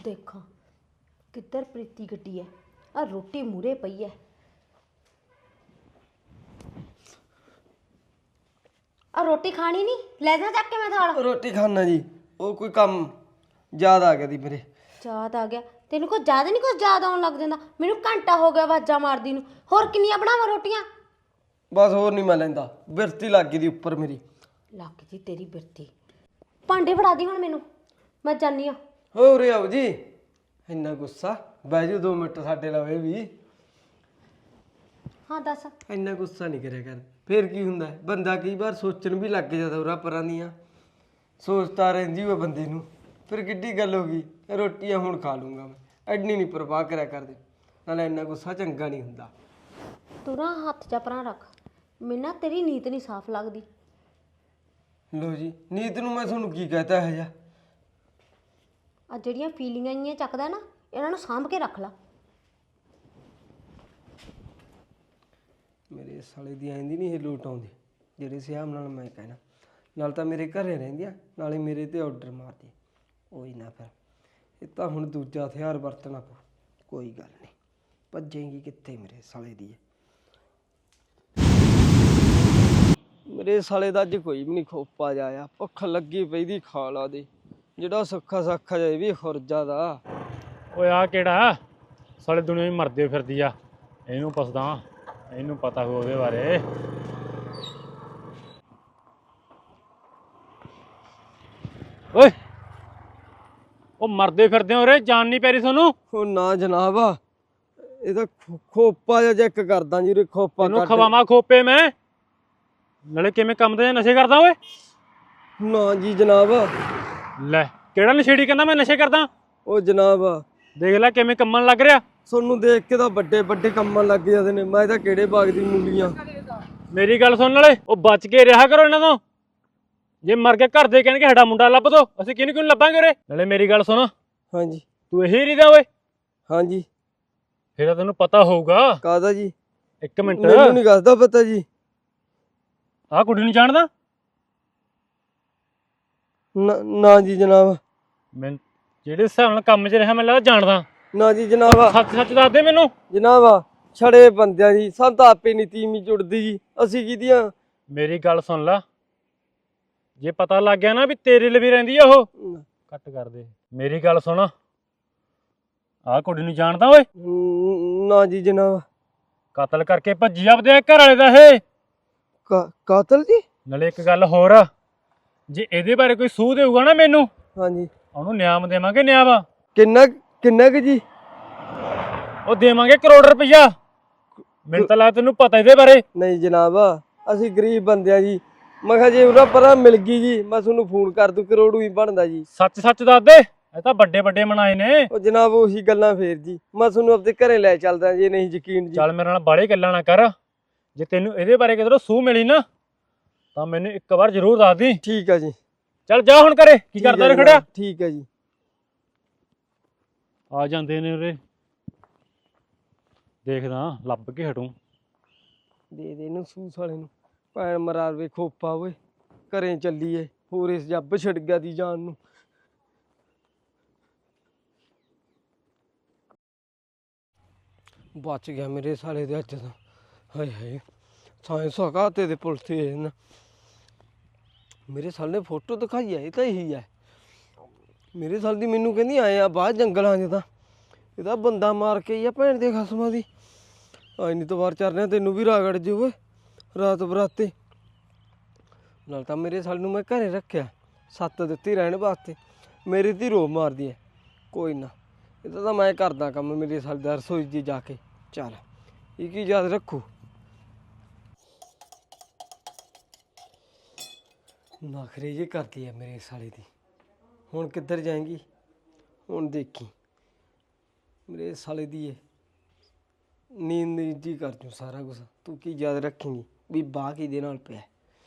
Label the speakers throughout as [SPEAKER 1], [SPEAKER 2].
[SPEAKER 1] देखा किधर प्रीति गड्डी है। आ रोटी मूरे पई है। आ रोटी खानी नहीं, ले जा चक के मैं थाल।
[SPEAKER 2] रोटी खाना जी, वो कोई काम याद आ गया दी मेरे।
[SPEAKER 1] याद आ गया तेन कुछ ज्यादा नहीं, कुछ याद आउन लग जांदा। मैनू घंटा हो गया आवाज़ां मारदी नूं। होर किन्नियां बनावां रोटियां?
[SPEAKER 2] बस होर नहीं मैं लैंदा, बिरती लग गई दी उपर मेरी।
[SPEAKER 1] लग जी तेरी बिरती। भांडे फड़ा दी हुण मैनू, मैं जानी आ।
[SPEAKER 2] हो रे आओ जी, इन्ना गुस्सा बह जाओ 2 मिनट साडे लवे भी।
[SPEAKER 1] हाँ दस।
[SPEAKER 2] इन्ना गुस्सा नहीं करिया कर, फिर की हुंदा है, बंदा कई बार सोचण भी लग जाता उरा परां दियां सोचता रहिंदी होवे बंदे नूं। फिर किड्डी गल हो गई, रोटियां हुण खा लूंगा मैं, एड्डी नहीं परवाह करिया करदे। नाले इन्ना गुस्सा चंगा नहीं हुंदा।
[SPEAKER 1] तू ना हत्थ जा परां रख, मैनू ना तेरी नीत नहीं साफ लगदी।
[SPEAKER 2] लो जी, नीत नूं मैं तुहानूं की कहता है जा।
[SPEAKER 1] आ ਜਿਹੜੀਆਂ ਫੀਲਿੰਗਾਂ ਇੰਨੀਆਂ ਚੱਕਦਾ ਨਾ, ਇਹਨਾਂ ਨੂੰ ਸਾਂਭ ਕੇ ਰੱਖ ਲਾ।
[SPEAKER 2] ਮੇਰੇ ਸਾਲੇ ਦੀ ਆਂਦੀ ਨਹੀਂ ਇਹ ਲੋਟ ਆਉਂਦੀ, ਜਿਹੜੇ ਸਿਆਮ ਨਾਲ ਮੈਂ ਕਹਿਣਾ। ਨਾਲ ਤਾਂ ਮੇਰੇ ਘਰੇ ਰਹਿੰਦੀਆਂ, ਨਾਲੇ ਮੇਰੇ ਤੇ ਆਰਡਰ ਮਾਰਦੀ। ਉਹੀ ਨਾ ਫਿਰ ਇਹ ਤਾਂ ਹੁਣ ਦੂਜਾ ਹਥਿਆਰ ਵਰਤਣਾ ਪਊ। ਕੋਈ ਗੱਲ ਨਹੀਂ, ਭੱਜੇਂਗੀ ਕਿੱਥੇ ਮੇਰੇ ਸਾਲੇ ਦੀ। ਮੇਰੇ ਸਾਲੇ ਦਾ ਅੱਜ ਕੋਈ ਵੀ ਨਹੀਂ ਖੋਪਾ ਜਾਇਆ, ਭੁੱਖ ਲੱਗੀ ਪਈ ਦੀ ਖਾ ਲਾ ਦੇ। ਜਿਹੜਾ ਸੁੱਖਾ ਸਾਖਾ ਜਾਏ ਵੀ ਖੁਰਜਾ ਦਾ।
[SPEAKER 3] ਓਏ ਆ ਕਿਹੜਾ ਸਾਲੇ ਦੁਨੀਆ ਹੀ ਮਰਦੇ ਫਿਰਦੀ ਆ, ਇਹਨੂੰ ਪੁੱਛਦਾ, ਇਹਨੂੰ ਪਤਾ ਹੋਊ ਉਹਦੇ ਬਾਰੇ। ਓਏ ਉਹ ਮਰਦੇ ਫਿਰਦੇ ਹੋ ਰੇ, ਜਾਨ ਨਹੀਂ ਪੈ ਰਹੀ ਤੁਹਾਨੂੰ?
[SPEAKER 2] ਉਹ ਨਾ ਜਨਾਬ, ਇਹ ਤਾਂ ਖੋਪਾ ਜਿਹਾ ਚੈੱਕ ਕਰਦਾ ਜੀ। ਖੋਪਾ
[SPEAKER 3] ਤੈਨੂੰ ਖਵਾਵਾਂ ਖੋਪੇ ਮੈਂ? ਨਾਲੇ ਕਿਵੇਂ ਕੰਮ ਦੇ ਨਸ਼ੇ ਕਰਦਾ ਓਏ?
[SPEAKER 2] ਨਾ ਜੀ ਜਨਾਬ।
[SPEAKER 3] ਲੈ ਕਿਹੜਾ ਨਸ਼ੇੜੀ ਕਹਿੰਦਾ ਮੈਂ ਨਸ਼ੇ ਕਰਦਾ?
[SPEAKER 2] ਉਹ ਜਨਾਬ
[SPEAKER 3] ਦੇਖ ਲੈ ਕਿਵੇਂ ਕੰਮਣ ਲੱਗ ਰਿਹਾ।
[SPEAKER 2] ਤੁਹਾਨੂੰ ਦੇਖ ਕੇ ਤਾਂ ਵੱਡੇ ਵੱਡੇ ਕੰਮਾਂ ਲੱਗ ਜਾਂਦੇ ਨੇ। ਮੈਂ ਤਾਂ ਕਿਹੜੇ ਬਾਗ ਦੀ ਮੂਲੀਆਂ।
[SPEAKER 3] ਮੇਰੀ ਗੱਲ ਸੁਣ ਨਾਲੇ, ਉਹ ਬਚ ਕੇ ਰਿਹਾ ਕਰੋ ਇਹਨਾਂ ਤੋਂ। ਜੇ ਮਰ ਕੇ ਘਰ ਦੇ ਕਹਿਣਗੇ ਸਾਡਾ ਮੁੰਡਾ ਲੱਭ ਦੋ, ਅਸੀਂ ਕਿਹਨੂੰ ਲੱਭਾਂਗੇ ਉਰੇ? ਨਾਲੇ ਮੇਰੀ ਗੱਲ ਸੁਣ।
[SPEAKER 2] ਹਾਂਜੀ।
[SPEAKER 3] ਤੂੰ ਇਹੀ ਰੀਦਾ ਓਏ?
[SPEAKER 2] ਹਾਂਜੀ।
[SPEAKER 3] ਫਿਰ ਤਾਂ ਤੈਨੂੰ ਪਤਾ ਹੋਊਗਾ।
[SPEAKER 2] ਕਾਹਦਾ ਜੀ?
[SPEAKER 3] ਇੱਕ ਮਿੰਟ,
[SPEAKER 2] ਮੈਨੂੰ ਨਹੀਂ ਦੱਸਦਾ ਪਤਾ ਜੀ।
[SPEAKER 3] ਆਹ ਕੁੜੀ ਨੂੰ ਜਾਣਦਾ?
[SPEAKER 2] ਨਾ ਜੀ ਜਨਾਬ।
[SPEAKER 3] ਮੈਂ ਜਿਹੜੇ ਹਿਸਾਬ ਨਾਲ ਕੰਮ 'ਚ ਰਿਹਾ ਮੈਨੂੰ ਲੱਗਦਾ ਜਾਣਦਾ।
[SPEAKER 2] ਨਾ ਜੀ ਜਨਾਬ।
[SPEAKER 3] ਸੱਚ ਸੱਚ ਦੱਸ ਦੇ ਮੈਨੂੰ।
[SPEAKER 2] ਜਨਾਬ ਛੜੇ ਬੰਦਿਆਂ ਦੀ ਸਾਨੂੰ ਤਾਂ ਆਪੇ ਨਹੀਂ ਤੀਵੀਂ ਜੁੜਦੀ ਜੀ, ਅਸੀਂ ਕਿਹਦੀਆਂ?
[SPEAKER 3] ਮੇਰੀ ਗੱਲ ਸੁਣ ਲਾ, ਜੇ ਪਤਾ ਲੱਗ ਗਿਆ ਨਾ ਵੀ ਤੇਰੇ ਲਈ ਵੀ ਰਹਿੰਦੀ ਆ ਉਹ, ਕੱਟ ਕਰ ਦੇ। ਮੇਰੀ ਗੱਲ ਸੁਣ, ਆਹ ਕੁੜੀ ਨੂੰ ਜਾਣਦਾ ਓਏ?
[SPEAKER 2] ਨਾ ਜੀ ਜਨਾਬ।
[SPEAKER 3] ਕਤਲ ਕਰਕੇ ਭੱਜੀ ਆਪਦੇ ਘਰ ਵਾਲੇ ਦਾ ਇਹ।
[SPEAKER 2] ਕਾਤਲ ਜੀ?
[SPEAKER 3] ਨਾਲੇ ਇੱਕ ਗੱਲ ਹੋਰ, ਜੇ ਇਹਦੇ ਬਾਰੇ ਕੋਈ ਸੂਹ ਦੇਊਗਾ ਨਾ ਮੈਨੂੰ,
[SPEAKER 2] ਹਾਂਜੀ,
[SPEAKER 3] ਉਹਨੂੰ ਨਿਆਮ ਦੇਵਾਂਗੇ। ਨਿਆਮ
[SPEAKER 2] ਕਿੰਨਾ ਕੁ ਜੀ?
[SPEAKER 3] ਉਹ ਦੇਵਾਂਗੇ ਕਰੋੜ ਰੁਪਈਆ। ਮੈਨੂੰ ਤਾਂ ਲੱਗਦਾ ਤੈਨੂੰ ਪਤਾ ਇਹਦੇ ਬਾਰੇ।
[SPEAKER 2] ਨਹੀਂ ਜਨਾਬ, ਅਸੀਂ ਗਰੀਬ ਬੰਦੇ ਆ ਜੀ। ਮੈਂ ਕਿਹਾ ਜੇ ਉਹਨਾਂ ਪਰਾਂ ਮਿਲ ਗਈ ਜੀ ਮੈਂ ਤੁਹਾਨੂੰ ਫੋਨ ਕਰ ਦੂੰ, ਕਰੋੜੂ ਹੀ ਬਣਦਾ ਜੀ।
[SPEAKER 3] ਸੱਚ ਸੱਚ ਦੱਸ ਦੇ, ਇਹ ਤਾਂ ਵੱਡੇ ਵੱਡੇ ਬਣਾਏ ਨੇ।
[SPEAKER 2] ਉਹ ਜਨਾਬ ਉਹੀ ਗੱਲਾਂ ਫੇਰ ਜੀ, ਮੈਂ ਤੁਹਾਨੂੰ ਆਪਣੇ ਘਰੇ ਲੈ ਚੱਲਦਾ ਜੇ ਨਹੀਂ ਯਕੀਨ ਜੀ।
[SPEAKER 3] ਚੱਲ ਮੇਰੇ ਨਾਲ ਬਾਹਲੇ ਗੱਲਾਂ ਨਾ ਕਰ। ਜੇ ਤੈਨੂੰ ਇਹਦੇ ਬਾਰੇ ਕਿਧਰੋਂ ਸੂਹ ਮਿਲੀ ਨਾ ਤਾਂ ਮੈਨੂੰ ਇੱਕ ਵਾਰ ਜ਼ਰੂਰ ਦੱਸ ਦੀ।
[SPEAKER 2] ਠੀਕ ਆ ਜੀ।
[SPEAKER 3] ਚੱਲ ਜਾ ਹੁਣ ਘਰੇ, ਕੀ ਕਰਦਾ ਰੇ ਖੜਿਆ?
[SPEAKER 2] ਠੀਕ ਆ ਜੀ।
[SPEAKER 3] ਆ ਜਾਂਦੇ ਨੇ ਉਰੇ, ਦੇਖਦਾ ਲੱਭ ਕੇ ਹਟੂ।
[SPEAKER 2] ਦੇ ਦੇ ਇਹਨੂੰ ਸੂਸ ਵਾਲੇ ਨੂੰ, ਭੈਣ ਮਰਾਵੇ ਖੋਪਾ ਓਏ। ਘਰੇ ਚੱਲੀਏ, ਹੋਰ ਇਸ ਜੱਬ ਛੱਡ ਗਿਆ ਦੀ ਜਾਨ ਨੂੰ। ਬਚ ਗਿਆ ਮੇਰੇ ਸਾਲੇ ਦੇ ਅੱਜ ਤਾਂ। ਹਾਏ ਹਾਏ, ਸਾਇੰਸ ਹਕਾਤੇ ਦੇ ਪੁਲਿਸ ਤੇ ਨਾ ਮੇਰੇ ਸਾਲੇ ਨੇ ਫੋਟੋ ਦਿਖਾਈ ਹੈ, ਇਹ ਤਾਂ ਇਹੀ ਹੈ ਮੇਰੇ ਸਾਲ ਦੀ। ਮੈਨੂੰ ਕਹਿੰਦੀ ਆਏ ਆ ਬਾਹਰ ਜੰਗਲਾਂ 'ਚ, ਤਾਂ ਇਹਦਾ ਬੰਦਾ ਮਾਰ ਕੇ ਹੀ ਆ ਭੈਣ ਦੇ ਖਸਮਾਂ ਦੀ। ਆਈ ਨਹੀਂ ਤਵਾਰ ਚੱਲ ਰਿਹਾ, ਤੈਨੂੰ ਵੀ ਰਾਗੜ ਜੇ ਓਏ ਰਾਤ ਬਰਾਤੇ। ਨਾਲ ਤਾਂ ਮੇਰੇ ਸਾਲ ਨੂੰ ਮੈਂ ਘਰੇ ਰੱਖਿਆ, ਸੱਤ ਦਿੱਤੀ ਰਹਿਣ ਵਾਸਤੇ, ਮੇਰੀ ਧੀ ਰੋ ਮਾਰਦੀ ਹੈ। ਕੋਈ ਨਾ, ਇਹਦਾ ਤਾਂ ਮੈਂ ਕਰਦਾ ਕੰਮ ਮੇਰੇ ਸਾਲ ਦਾ ਰਸੋਈ 'ਚ ਜਾ ਕੇ। ਚੱਲ ਇਹ ਕੀ ਯਾਦ ਰੱਖੂ। ਨਖਰੇ ਜੇ ਕਰਦੀ ਹੈ ਮੇਰੇ ਸਾਲੇ ਦੀ। ਹੁਣ ਕਿੱਧਰ ਜਾਏਂਗੀ? ਹੁਣ ਦੇਖੀ ਮੇਰੇ ਸਾਲੇ ਦੀ ਇਹ ਨੀਂਦ ਜੀ ਕਰ ਜੂ ਸਾਰਾ ਕੁਛ। ਤੂੰ ਕੀ ਯਾਦ ਰੱਖੇਂਗੀ ਵੀ ਬਾਹ ਕਿਹਦੇ ਨਾਲ ਪਿਆ?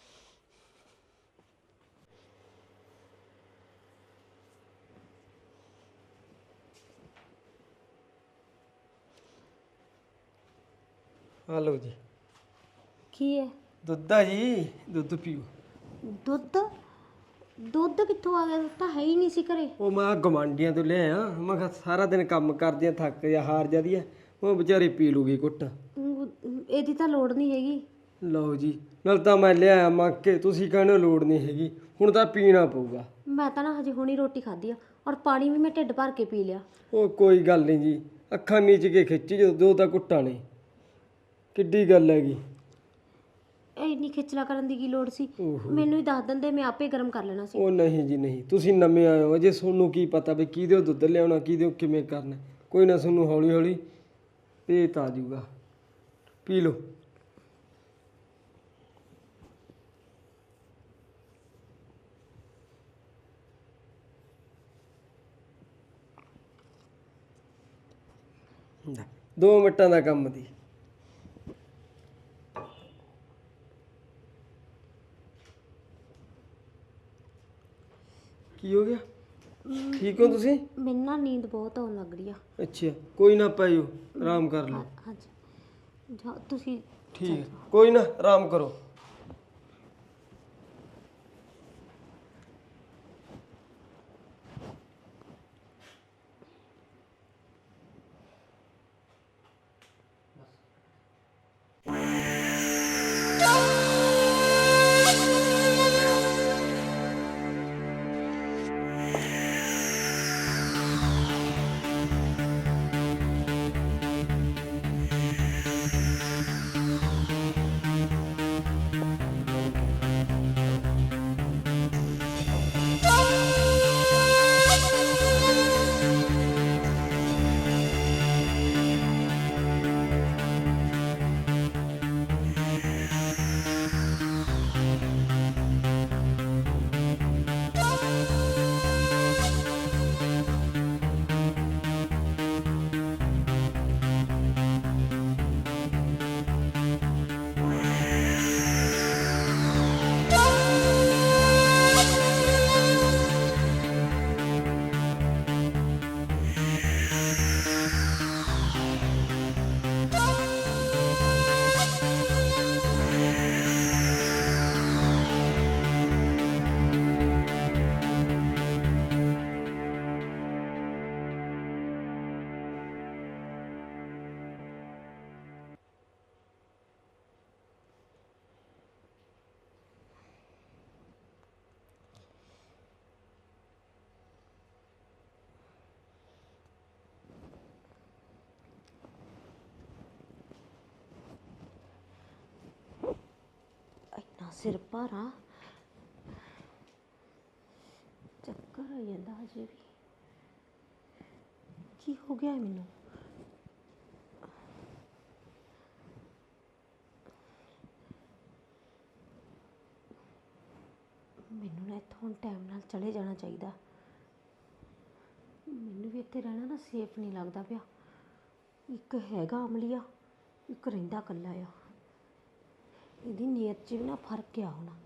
[SPEAKER 2] हेलो जी।
[SPEAKER 1] की है?
[SPEAKER 2] दुद्ध है जी, दुद्ध पियो।
[SPEAKER 1] दुद्ध? ਦੁੱਧ ਕਿੱਥੋਂ ਆ ਗਿਆ? ਦੁੱਧ ਤਾਂ ਹੈ ਹੀ ਨਹੀਂ ਸੀ ਘਰੇ।
[SPEAKER 2] ਉਹ ਮੈਂ ਗਵਾਂਢੀਆਂ ਤੋਂ ਲਿਆਇਆ। ਮੈਂ ਕਿਹਾ ਸਾਰਾ ਦਿਨ ਕੰਮ ਕਰਦੀਆਂ ਥੱਕ ਜਾ ਹਾਰ ਜਾਂਦੀ ਹੈ, ਉਹ ਵਿਚਾਰੀ ਪੀ ਲੂਗੀ ਕੁੱਟ।
[SPEAKER 1] ਇਹਦੀ ਤਾਂ ਲੋੜ ਨਹੀਂ ਹੈਗੀ।
[SPEAKER 2] ਲਓ ਜੀ, ਨਾਲ ਤਾਂ ਮੈਂ ਲਿਆਇਆ ਮੰਗ ਕੇ, ਤੁਸੀਂ ਕਹਿੰਦੇ ਲੋੜ ਨਹੀਂ ਹੈਗੀ, ਹੁਣ ਤਾਂ ਪੀਣਾ ਪਊਗਾ।
[SPEAKER 1] ਮੈਂ ਤਾਂ ਨਾ ਹਜੇ ਹੁਣੀ ਰੋਟੀ ਖਾਧੀ ਆ, ਔਰ ਪਾਣੀ ਵੀ ਮੈਂ ਢਿੱਡ ਭਰ ਕੇ ਪੀ ਲਿਆ।
[SPEAKER 2] ਉਹ ਕੋਈ ਗੱਲ ਨਹੀਂ ਜੀ, ਅੱਖਾਂ ਮੀਚ ਕੇ ਖਿੱਚੀ ਜਦੋਂ ਦੋ ਤਾਂ ਕੁੱਟਾਂ ਨੇ, ਕਿੱਡੀ ਗੱਲ ਹੈਗੀ।
[SPEAKER 1] ਇੰਨੀ ਖਿਚਲਾ ਕਰਨ ਦੀ ਕੀ ਲੋੜ ਸੀ?
[SPEAKER 2] ਓਹੋ।
[SPEAKER 1] ਮੈਨੂੰ ਹੀ ਦੱਸ ਦਿੰਦੇ, ਮੈਂ ਆਪੇ ਗਰਮ ਕਰ ਲੈਣਾ ਸੀ।
[SPEAKER 2] ਉਹ ਨਹੀਂ ਜੀ ਨਹੀਂ, ਤੁਸੀਂ ਨਵੇਂ ਆਏ ਹੋ, ਅਜੇ ਤੁਹਾਨੂੰ ਕੀ ਪਤਾ ਵੀ ਕਿਹਦੇ ਦੁੱਧ ਲਿਆਉਣਾ, ਕਿਹਦੇ ਕਿਵੇਂ ਕਰਨਾ। ਕੋਈ ਨਾ, ਤੁਹਾਨੂੰ ਹੌਲੀ ਹੌਲੀ ਭੇਤ ਆ ਜਾਊਗਾ। ਪੀ ਲਓ। ਲੈ, 2 ਮਿੰਟਾਂ ਦਾ ਕੰਮ ਦੀ। ਕੀ ਹੋ ਗਿਆ? ਠੀਕ ਹੋ ਤੁਸੀਂ?
[SPEAKER 1] ਮੈਨੂੰ ਨਾ ਨੀਂਦ ਬਹੁਤ ਆਉਣ ਲੱਗ ਰਹੀ ਆ।
[SPEAKER 2] ਅੱਛਾ, ਕੋਈ ਨਾ ਪਾਇਓ, ਆਰਾਮ ਕਰ ਲਓ।
[SPEAKER 1] ਹਾਂਜੀ ਜਾ ਤੁਸੀਂ।
[SPEAKER 2] ਠੀਕ ਹੈ, ਕੋਈ ਨਾ, ਆਰਾਮ ਕਰੋ।
[SPEAKER 1] ਇੰਨਾ ਸਿਰ ਭਾਰਾ, ਚੱਕਰ ਆ ਜਾਂਦਾ ਹਜੇ ਵੀ। ਕੀ ਹੋ ਗਿਆ ਮੈਨੂੰ? ਮੈਨੂੰ ਨਾ ਇੱਥੋਂ ਟਾਈਮ ਨਾਲ ਚਲੇ ਜਾਣਾ ਚਾਹੀਦਾ। ਮੈਨੂੰ ਵੀ ਇੱਥੇ ਰਹਿਣਾ ਨਾ ਸੇਫ ਨਹੀਂ ਲੱਗਦਾ ਪਿਆ। ਇੱਕ ਹੈਗਾ ਅਮਲੀਆ, ਇੱਕ ਰਹਿੰਦਾ ਇਕੱਲਾ ਆ। ਇਹਦੀ ਨੀਅਤ 'ਚ ਵੀ ਨਾ ਫਰਕ ਆ ਹੋਣਾ।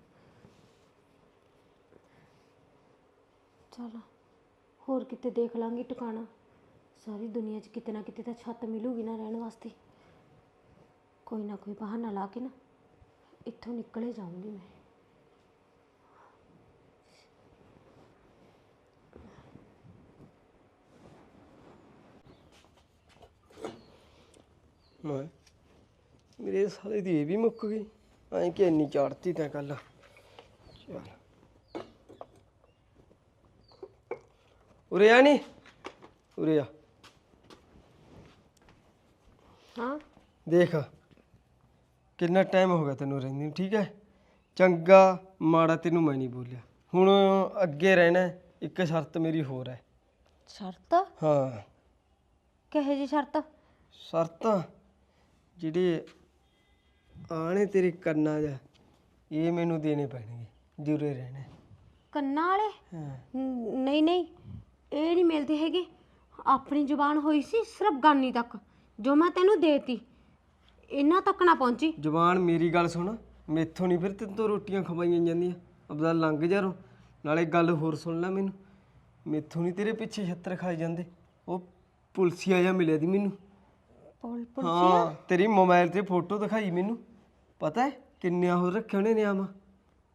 [SPEAKER 1] ਚਲ ਹੋਰ ਕਿਤੇ ਦੇਖ ਲਾਂਗੀ ਟਿਕਾਣਾ। ਸਾਰੀ ਦੁਨੀਆ 'ਚ ਕਿਤੇ ਨਾ ਕਿਤੇ ਤਾਂ ਛੱਤ ਮਿਲੂਗੀ ਨਾ ਰਹਿਣ ਵਾਸਤੇ। ਕੋਈ ਨਾ ਕੋਈ ਬਹਾਨਾ ਲਾ ਕੇ ਨਾ ਇੱਥੋਂ ਨਿਕਲੇ ਜਾਊਂਗੀ ਮੈਂ।
[SPEAKER 2] ਮੈਂ ਮੇਰੇ ਸਾਲੇ ਦੀ ਇਹ ਵੀ ਮੁੱਕ ਗਈ। ਐਂ ਕਿ ਇੰਨੀ ਚਾੜਤੀ ਤਾਂ ਕੱਲ। ਚੱਲ ਉਰੇ ਆ, ਨੀ ਉਰੇ ਆ।
[SPEAKER 1] ਹਾਂ
[SPEAKER 2] ਦੇਖ ਕਿੰਨਾ ਟਾਈਮ ਹੋ ਗਿਆ ਤੈਨੂੰ ਰਹਿੰਦੀ ਨੂੰ, ਠੀਕ ਹੈ? ਚੰਗਾ ਮਾੜਾ ਤੈਨੂੰ ਮੈਂ ਨਹੀਂ ਬੋਲਿਆ। ਹੁਣ ਅੱਗੇ ਰਹਿਣਾ ਹੈ, ਇੱਕ ਸ਼ਰਤ ਮੇਰੀ ਹੋਰ ਹੈ।
[SPEAKER 1] ਸ਼ਰਤ?
[SPEAKER 2] ਹਾਂ।
[SPEAKER 1] ਕਿਹੋ ਜਿਹੀ ਸ਼ਰਤ?
[SPEAKER 2] ਸ਼ਰਤਾਂ ਜਿਹੜੇ ਆਣੇ ਤੇਰੇ ਕੰਨਾਂ 'ਚ, ਇਹ ਮੈਨੂੰ ਦੇਣੇ ਪੈਣਗੇ, ਜੁਰੇ ਰਹਿਣਾ।
[SPEAKER 1] ਕੰਨਾਂ ਵਾਲੇ?
[SPEAKER 2] ਹਾਂ।
[SPEAKER 1] ਨਹੀਂ ਨਹੀਂ, ਇਹ ਨਹੀਂ ਮਿਲਦੇ ਹੈਗੇ। ਆਪਣੀ ਜ਼ੁਬਾਨ ਹੋਈ ਸੀ ਸਿਰਫ ਗਾਨੀ ਤੱਕ, ਜੋ ਮੈਂ ਤੈਨੂੰ ਦੇਤੀ, ਇਹਨਾਂ ਤੱਕ ਨਾ ਪਹੁੰਚੀ।
[SPEAKER 2] ਜ਼ੁਬਾਨ ਮੇਰੀ ਗੱਲ ਸੁਣ, ਮੈਥੋਂ ਨਹੀਂ ਫਿਰ ਤੈਨੂੰ ਤੋਂ ਰੋਟੀਆਂ ਖਵਾਈਆਂ ਜਾਂਦੀਆਂ। ਆਪਦਾ ਲੰਘ ਜਾ ਰੋ। ਨਾਲੇ ਗੱਲ ਹੋਰ ਸੁਣ ਲੈ ਮੈਨੂੰ, ਮੈਥੋਂ ਨਹੀਂ ਤੇਰੇ ਪਿੱਛੇ ਛੱਤਰ ਖਾਏ ਜਾਂਦੇ। ਉਹ ਪੁਲਸੀਆ ਜਿਹਾ ਮਿਲਿਆ ਦੀ ਮੈਨੂੰ। ਹਾਂ, ਤੇਰੀ ਮੋਬਾਈਲ ਤੇ ਫੋਟੋ ਦਿਖਾਈ ਮੈਨੂੰ। ਪਤਾ ਹੈ ਕਿੰਨੇ ਉਹ ਰੱਖੇ ਉਹਨੇ ਨਿਆਮ।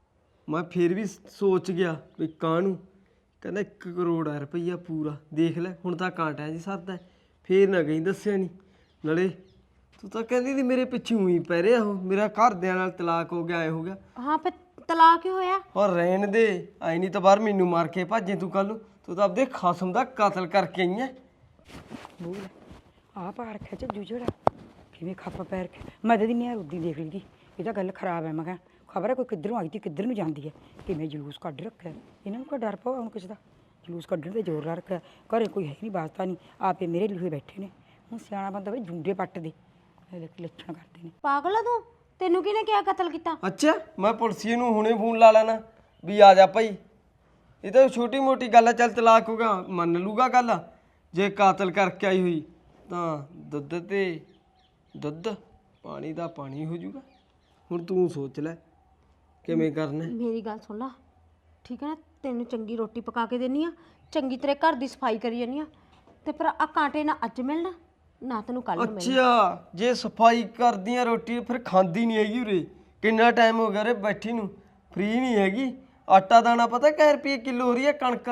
[SPEAKER 2] ਮੈਂ ਫਿਰ ਵੀ ਸੋਚ ਗਿਆ ਵੀ ਕਾਹਨੂੰ, ਕਹਿੰਦਾ 1 ਕਰੋੜ ਆ ਰੁਪਈਆ ਪੂਰਾ। ਦੇਖ ਲੈ ਹੁਣ ਤਾਂ ਕਾਂਟਿਆਂ 'ਚ ਸਰਦਾ, ਫੇਰ ਨਾ ਕਹੀਂ ਦੱਸਿਆ ਨਹੀਂ। ਨਾਲੇ ਤੂੰ ਤਾਂ ਕਹਿੰਦੀ ਸੀ ਮੇਰੇ ਪਿੱਛੇ ਉਹੀ ਪੈ ਰਿਹਾ ਉਹ, ਮੇਰਾ ਘਰਦਿਆਂ ਨਾਲ ਤਲਾਕ ਹੋ ਗਿਆ, ਐ ਹੋ ਗਿਆ।
[SPEAKER 1] ਹਾਂ ਫਿਰ ਤਲਾਕ ਹੀ ਹੋਇਆ।
[SPEAKER 2] ਔਰ ਰਹਿਣ ਦੇ, ਆਈ ਨਹੀਂ ਤਾਂ ਬਾਹਰ ਮੈਨੂੰ ਮਾਰ ਕੇ ਭਾਜੇ ਤੂੰ ਕੱਲ ਨੂੰ। ਤੂੰ ਤਾਂ ਆਪਦੇ ਖਸਮ ਦਾ ਕਤਲ ਕਰਕੇ ਆਈ ਐ।
[SPEAKER 4] ਬੋਲ ਆ ਪਾੜ ਖਿੱਚ ਜੂਝੜਾ ਕਿਵੇਂ ਖੱਪ ਪੈਰ ਕੇ ਮੈਂ ਤਾਂ ਨਹੀਂ ਉਦੀ ਦੇਖ ਲਈ ਤੀ, ਇਹ ਤਾਂ ਗੱਲ ਖਰਾਬ ਹੈ। ਮੈਂ ਕਿਹਾ ਖਬਰ ਹੈ ਕੋਈ ਕਿੱਧਰੋਂ ਆਈ ਤੀ ਕਿੱਧਰ ਨੂੰ ਜਾਂਦੀ ਹੈ, ਕਿਵੇਂ ਜਲੂਸ ਕੱਢ ਰੱਖਿਆ ਇਹਨਾਂ ਨੂੰ। ਕੋਈ ਡਰ ਪਾਉ ਹੁਣ ਕਿਸੇ ਦਾ, ਜਲੂਸ ਕੱਢਣ ਤੇ ਜ਼ੋਰ ਲਾ ਰੱਖਿਆ। ਘਰੇ ਕੋਈ ਹੈ ਨਹੀਂ, ਵਾਸਤਾ ਨਹੀਂ, ਆਪੇ ਮੇਰੇ ਲਿਖੇ ਬੈਠੇ ਨੇ। ਹੁਣ ਸਿਆਣਾ ਬੰਦਾ ਵੀ ਜੂੰਡੇ ਪੱਟ ਦੇ ਲੱਛਣ ਕਰਦੇ ਨੇ।
[SPEAKER 1] ਪਾਗਲ ਆ ਤੂੰ, ਤੈਨੂੰ ਕਿਹਨੇ ਕਿਹਾ ਕਤਲ ਕੀਤਾ?
[SPEAKER 2] ਅੱਛਾ ਮੈਂ ਪੁਲਿਸੀਏ ਨੂੰ ਹੁਣੇ ਫੋਨ ਲਾ ਲੈਣਾ ਵੀ ਆ ਜਾ ਭਾਈ। ਇਹ ਤਾਂ ਛੋਟੀ ਮੋਟੀ ਗੱਲ ਆ, ਚੱਲ ਤਲਾਕ ਹੋ ਗਿਆ ਮੰਨ ਲੂਗਾ ਗੱਲ। ਜੇ ਕਾਤਲ ਕਰਕੇ ਆਈ ਹੋਈ ਤਾਂ ਦੁੱਧ ਤੇ ਦੁੱਧ, ਪਾਣੀ ਦਾ ਪਾਣੀ ਹੋ ਜਾਊਗਾ। ਹੁਣ ਤੂੰ ਸੋਚ ਲੈ ਕਿਵੇਂ ਕਰਨਾ।
[SPEAKER 1] ਮੇਰੀ ਗੱਲ ਸੁਣ ਲਾ, ਠੀਕ ਹੈ ਨਾ? ਤੈਨੂੰ ਚੰਗੀ ਰੋਟੀ ਪਕਾ ਕੇ ਦੇਣੀ ਆ, ਚੰਗੀ ਤੇਰੇ ਘਰ ਦੀ ਸਫਾਈ ਕਰੀ ਜਾਨੀ ਆ, ਤੇ ਪਰ ਆ ਕਾਂਟੇ ਨਾ ਅੱਜ ਮਿਲਣਾ ਨਾ ਤੈਨੂੰ ਕੱਲ ਮਿਲਣਾ।
[SPEAKER 2] ਅੱਛਾ ਜੇ ਸਫਾਈ ਕਰਦੀਆਂ ਰੋਟੀ ਫਿਰ ਖਾਂਦੀ ਨਹੀਂ ਹੈਗੀ ਉਰੇ। ਕਿੰਨਾ ਟਾਈਮ ਹੋ ਗਿਆ ਉਰੇ ਬੈਠੀ ਨੂੰ, ਫ੍ਰੀ ਨਹੀਂ ਹੈਗੀ। ਆਟਾ ਦਾਣਾ ਪਤਾ ਕਿੰਨੇ ਰੁਪਏ ਕਿਲੋ ਹੋ ਰਹੀ ਹੈ ਕਣਕ।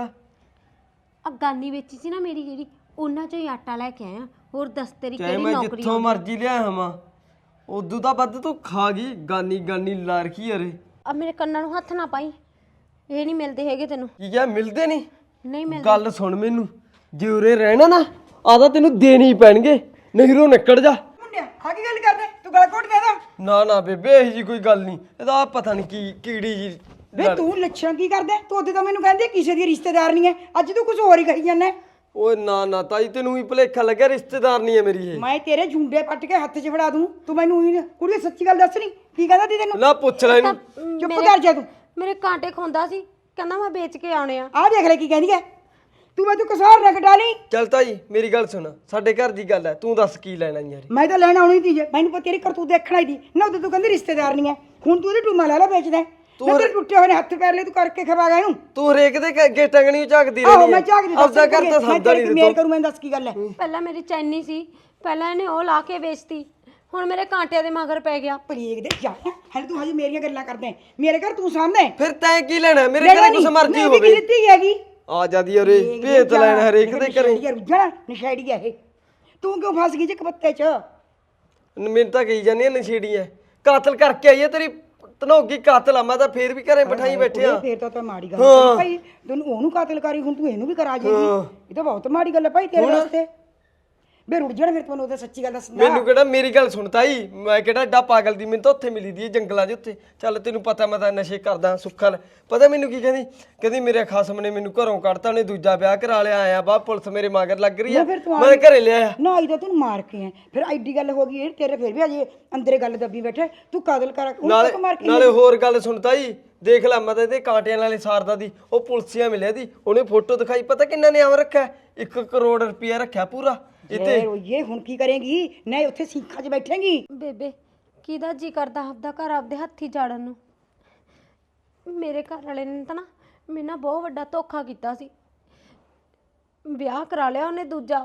[SPEAKER 1] ਆ ਗਾਨੀ ਵੇਚੀ ਸੀ ਨਾ ਮੇਰੀ ਜਿਹੜੀ, ਉਹਨਾਂ ਚੋਂ ਹੀ ਆਟਾ ਲੈ ਕੇ ਆਇਆ। ਹੋਰ ਦੱਸ ਤੇਰੀ
[SPEAKER 2] ਚਾਹੇ
[SPEAKER 1] ਕਿਹੜੀ
[SPEAKER 2] ਮੈਂ
[SPEAKER 1] ਨੌਕਰੀ
[SPEAKER 2] ਜਿੱਥੋਂ ਮਰਜ਼ੀ ਲਿਆ ਹਵਾਂ, ਉਦੋਂ ਤਾਂ ਵੱਧ ਤੂੰ ਖਾ ਗਈ। ਗਾਨੀ ਗਾਨੀ ਲਾ ਰੱਖੀ ਅਰੇ।
[SPEAKER 1] ਆ ਮੇਰੇ ਕੰਨਾਂ ਨੂੰ ਹੱਥ ਨਾ ਪਾਈ, ਇਹ ਨਹੀਂ ਮਿਲਦੇ ਹੈਗੇ ਤੈਨੂੰ।
[SPEAKER 2] ਕੀ ਕਿਹਾ ਮਿਲਦੇ ਨਹੀਂ?
[SPEAKER 1] ਨਹੀਂ ਮਿਲਦੇ।
[SPEAKER 2] ਗੱਲ ਸੁਣ ਮੈਨੂੰ, ਜੇ ਉਰੇ ਰਹਿਣਾ ਨਾ ਆਦਾ ਤੈਨੂੰ ਦੇਣੇ ਹੀ ਪੈਣਗੇ, ਨਹੀਂ ਰੋ ਨਿਕਲ ਜਾ।
[SPEAKER 4] ਮੁੰਡਿਆ ਆ ਕੀ ਗੱਲ ਕਰਦੇ ਤੂੰ, ਗਲਾ ਘੋਟ ਦੇਦਾ।
[SPEAKER 2] ਨਾ ਨਾ ਬੇਬੇ ਇਹੋ ਜੀ ਕੋਈ ਗੱਲ ਨਹੀਂ, ਇਹਦਾ ਆਹ ਪਤਾ ਨਹੀਂ ਕੀ ਕੀੜੀ ਜੀ।
[SPEAKER 4] ਵੇ ਤੂੰ ਲੱਛਣ ਕੀ ਕਰਦੇ? ਤੂੰ ਉਹਦੇ ਤਾਂ ਮੈਨੂੰ ਕਹਿੰਦੀ ਕਿਸੇ ਦੀ ਰਿਸ਼ਤੇਦਾਰ ਨਹੀਂ ਹੈ, ਅੱਜ ਤੂੰ ਕੁਝ ਹੋਰ ਹੀ ਕਹੀ ਜਾਂਦਾ।
[SPEAKER 2] ਓਏ ਨਾ ਨਾ ਤਾਈ ਤੈਨੂੰ ਵੀ ਭੁਲੇਖਾ ਲੱਗਿਆ, ਰਿਸ਼ਤੇਦਾਰ ਨਹੀਂ ਹੈ ਮੇਰੀ ਇਹ।
[SPEAKER 4] ਮੈਂ ਤੇਰੇ ਜੁੰਡੇ ਪੱਟ ਕੇ ਹੱਥ 'ਚ ਫੜਾ ਦੂੰ, ਤੂੰ ਮੈਨੂੰ ਹੀ ਕੁੜੀ ਸੱਚੀ ਗੱਲ ਦੱਸ। ਨਹੀਂ ਕੀ ਕਹਿੰਦਾ ਤੀ ਤੈਨੂੰ?
[SPEAKER 2] ਨਾ ਪੁੱਛ ਲੈ ਇਹਨੂੰ।
[SPEAKER 4] ਚੁੱਪ ਕਰ ਜਾ ਤੂੰ।
[SPEAKER 1] ਮੇਰੇ ਕਾਂਟੇ ਖੁੰਦਾ ਸੀ, ਕਹਿੰਦਾ ਮੈਂ ਵੇਚ ਕੇ ਆਉਣੇ ਆ।
[SPEAKER 4] ਆਹ ਦੇਖ ਲੈ ਕੀ ਕਹਿੰਦੀ ਹੈ ਤੂੰ। ਮੈਂ ਤੂੰ ਕਸਾਰ ਨਾ ਕਟਾ ਲਈ।
[SPEAKER 2] ਚੱਲ ਤਾਈ ਮੇਰੀ ਗੱਲ ਸੁਣ, ਸਾਡੇ ਘਰ ਦੀ ਗੱਲ ਹੈ, ਤੂੰ ਦੱਸ ਕੀ ਲੈਣਾ ਯਾਰ।
[SPEAKER 4] ਮੈਂ ਤਾਂ ਲੈਣ ਆਉਣੀ ਤੀ ਜੇ, ਮੈਨੂੰ ਪਤਾ ਤੇਰੀ ਕਰਤੂਤ ਦੇਖਣਾ ਹੀ ਦੀ ਨਾ। ਉਦੋਂ ਤੂੰ ਕਹਿੰਦੀ ਰਿਸ਼ਤੇਦਾਰ ਨਹੀਂ ਹੈ, ਹੁਣ ਤੂੰ ਇਹਦੇ ਟੂਮਾ ਲਾ ਵੇਚਦਾ। ਤੂੰ ਤੇਰੇ ਟੁੱਟੇ ਹੋਏ ਨੇ ਹੱਥ ਪੈਰ ਲੈ, ਤੂੰ ਕਰਕੇ ਖਵਾ ਗਿਆ ਇਹਨੂੰ।
[SPEAKER 2] ਤੂੰ ਹਰੇਕ ਦੇ ਅੱਗੇ ਟੰਗਣੀ ਝਾਕਦੀ
[SPEAKER 4] ਆਹੋ
[SPEAKER 2] ਰਹਿੰਦੀ
[SPEAKER 4] ਮੈਂ ਝਾਕਦੀ
[SPEAKER 2] ਆਪਦਾ ਘਰ ਤਾਂ ਸਾਦਾ ਨਹੀਂ
[SPEAKER 4] ਮੇਰ ਕਰੂੰ। ਮੈਂ ਦੱਸ ਕੀ ਗੱਲ ਹੈ?
[SPEAKER 1] ਪਹਿਲਾਂ ਮੇਰੀ ਚੈਨੀ ਸੀ, ਪਹਿਲਾਂ ਇਹਨੇ ਉਹ ਲਾ ਕੇ ਵੇਚਤੀ, ਹੁਣ ਮੇਰੇ ਕਾਂਟਿਆਂ ਦੇ ਮਗਰ ਪੈ ਗਿਆ।
[SPEAKER 4] ਪਲੀਗ ਦੇ ਜਾ ਹਲੇ ਤੂੰ ਹਜੇ ਮੇਰੀਆਂ ਗੱਲਾਂ ਕਰਦੇ। ਮੇਰੇ ਘਰ ਤੂੰ ਸਾਹਮਣੇ
[SPEAKER 2] ਫਿਰ ਤੈਂ ਕੀ ਲੈਣਾ? ਮੇਰੇ ਘਰੇ ਕੁਛ ਮਰਜ਼ੀ ਹੋਵੇ।
[SPEAKER 4] ਦਿੱਤੀ ਹੈਗੀ
[SPEAKER 2] ਆ ਜਾਦੀ ਉਰੇ ਭੇਤ ਲੈਣ ਹਰੇਕ ਦੇ ਘਰੇ।
[SPEAKER 4] ਰੁੱਝਣਾ ਨਸ਼ੇੜੀ ਹੈ ਇਹ। ਤੂੰ ਕਿਉਂ ਫਸ ਗਈ ਜੇ ਕਪੱਤੇ 'ਚ?
[SPEAKER 2] ਮੈਨੂੰ ਤਾਂ ਕਹੀ ਜਾਂਦੀ ਆ ਨਸ਼ੇੜੀ ਐ, ਕਾਤਲ ਕਰਕੇ ਆਈ ਐ ਤੇਰੀ ਧਨੋਗੀ ਕਾਤਲ ਆ। ਮੈਂ ਤਾਂ ਫੇਰ ਵੀ ਘਰੇ ਬਿਠਾਈ ਬੈਠਿਆ।
[SPEAKER 4] ਫੇਰ ਤਾਂ ਮਾੜੀ ਗੱਲ ਹੈ ਭਾਈ, ਤੈਨੂੰ ਉਹਨੂੰ ਕਾਤਲ ਕਰੀ, ਹੁਣ ਤੂੰ ਇਹਨੂੰ ਵੀ ਕਰਾ ਜੇਗੀ। ਇਹ ਤਾਂ ਬਹੁਤ ਮਾੜੀ ਗੱਲ ਹੈ ਭਾਈ ਤੇਰੇ ਵਾਸਤੇ। ਬੇ ਰੁੱਝ ਜਾਣਾ ਫਿਰ ਤੈਨੂੰ ਉਹਦਾ ਸੱਚੀ ਗੱਲ ਦੱਸਦਾ।
[SPEAKER 2] ਮੈਨੂੰ ਕਿਹੜਾ, ਮੇਰੀ ਗੱਲ ਸੁਣ ਤਾਈ, ਮੈਂ ਕਿਹੜਾ ਏਡਾ ਪਾਗਲ ਦੀ। ਮੈਨੂੰ ਤਾਂ ਉੱਥੇ ਮਿਲੀ ਦੀ ਜੰਗਲਾਂ 'ਚ ਉੱਥੇ। ਚੱਲ ਤੈਨੂੰ ਪਤਾ ਮੈਂ ਤਾਂ ਨਸ਼ੇ ਕਰਦਾ ਸੁੱਖਾ। ਪਤਾ ਮੈਨੂੰ ਕੀ ਕਹਿੰਦੀ? ਕਹਿੰਦੀ ਮੇਰੇ ਖਸਮ ਨੇ ਮੈਨੂੰ ਘਰੋਂ ਕੱਢਤਾ, ਉਹਨੇ ਦੂਜਾ ਵਿਆਹ ਕਰਾ ਲਿਆ। ਆਇਆ ਬਾ ਪੁਲਿਸ ਮੇਰੇ ਮਗਰ ਲੱਗ ਰਹੀ ਆ, ਮੈਂ ਘਰੇ ਲਿਆਇਆ।
[SPEAKER 4] ਨਾ ਇਹਦਾ ਤੈਨੂੰ ਮਾਰ ਕੇ ਆ ਫਿਰ ਐਡੀ ਗੱਲ ਹੋ ਗਈ। ਇਹ ਤੇਰੇ ਫਿਰ ਵੀ ਅਜੇ ਅੰਦਰੇ ਗੱਲ ਦੱਬੀ ਬੈਠੇ। ਤੂੰ ਕਾਤਲ ਕਰ
[SPEAKER 2] ਨਾਲੇ ਹੋਰ ਗੱਲ ਸੁਣ ਤਾਈ, ਦੇਖ ਲੈ ਮੈਂ ਤਾਂ ਇਹਦੇ ਕਾਂਟਿਆਂ ਨਾਲੇ ਸਾਰਦਾ ਦੀ। ਉਹ ਪੁਲਿਸੀਆ ਮਿਲਿਆ ਦੀ, ਉਹਨੇ ਫੋਟੋ ਦਿਖਾਈ। ਪਤਾ ਕਿੰਨਾ ਨਿਆਮ ਰੱਖਿਆ? 1 ਕਰੋੜ ਰੁਪਇਆ ਰੱਖਿਆ ਪੂਰਾ।
[SPEAKER 4] ਇਹ ਹੁਣ ਕੀ ਕਰੇਗੀ? ਨਹੀਂ ਉੱਥੇ ਸੀਖਾਂ 'ਚ ਬੈਠੇਗੀ।
[SPEAKER 1] ਬੇਬੇ ਕਿਹਦਾ ਜੀ ਕਰਦਾ ਆਪਦਾ ਘਰ ਆਪਦੇ ਹੱਥੀ ਜਾੜਨ ਨੂੰ? ਮੇਰੇ ਘਰ ਵਾਲੇ ਨੇ ਤਾਂ ਨਾ ਮੇਰੇ ਨਾਲ ਬਹੁਤ ਵੱਡਾ ਧੋਖਾ ਕੀਤਾ ਸੀ। ਵਿਆਹ ਕਰਾ ਲਿਆ ਉਹਨੇ ਦੂਜਾ,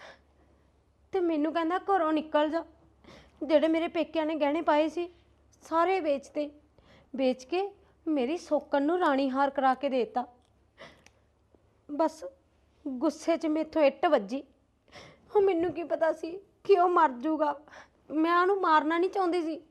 [SPEAKER 1] ਤੇ ਮੈਨੂੰ ਕਹਿੰਦਾ ਘਰੋਂ ਨਿਕਲ ਜਾ। ਜਿਹੜੇ ਮੇਰੇ ਪੇਕਿਆਂ ਨੇ ਗਹਿਣੇ ਪਾਏ ਸੀ ਸਾਰੇ ਵੇਚਤੇ, ਵੇਚ ਕੇ ਮੇਰੀ ਸੋਕਣ ਨੂੰ ਰਾਣੀ ਹਾਰ ਕਰਾ ਕੇ ਦੇਤਾ। ਬਸ ਗੁੱਸੇ 'ਚ ਮੇਥੋਂ ਇੱਟ ਵੱਜੀ। ਉਹ ਮੈਨੂੰ ਕੀ ਪਤਾ ਸੀ ਕਿ ਉਹ ਮਰ ਜਾਊਗਾ। ਮੈਂ ਉਹਨੂੰ ਮਾਰਨਾ ਨਹੀਂ ਚਾਹੁੰਦੀ ਸੀ,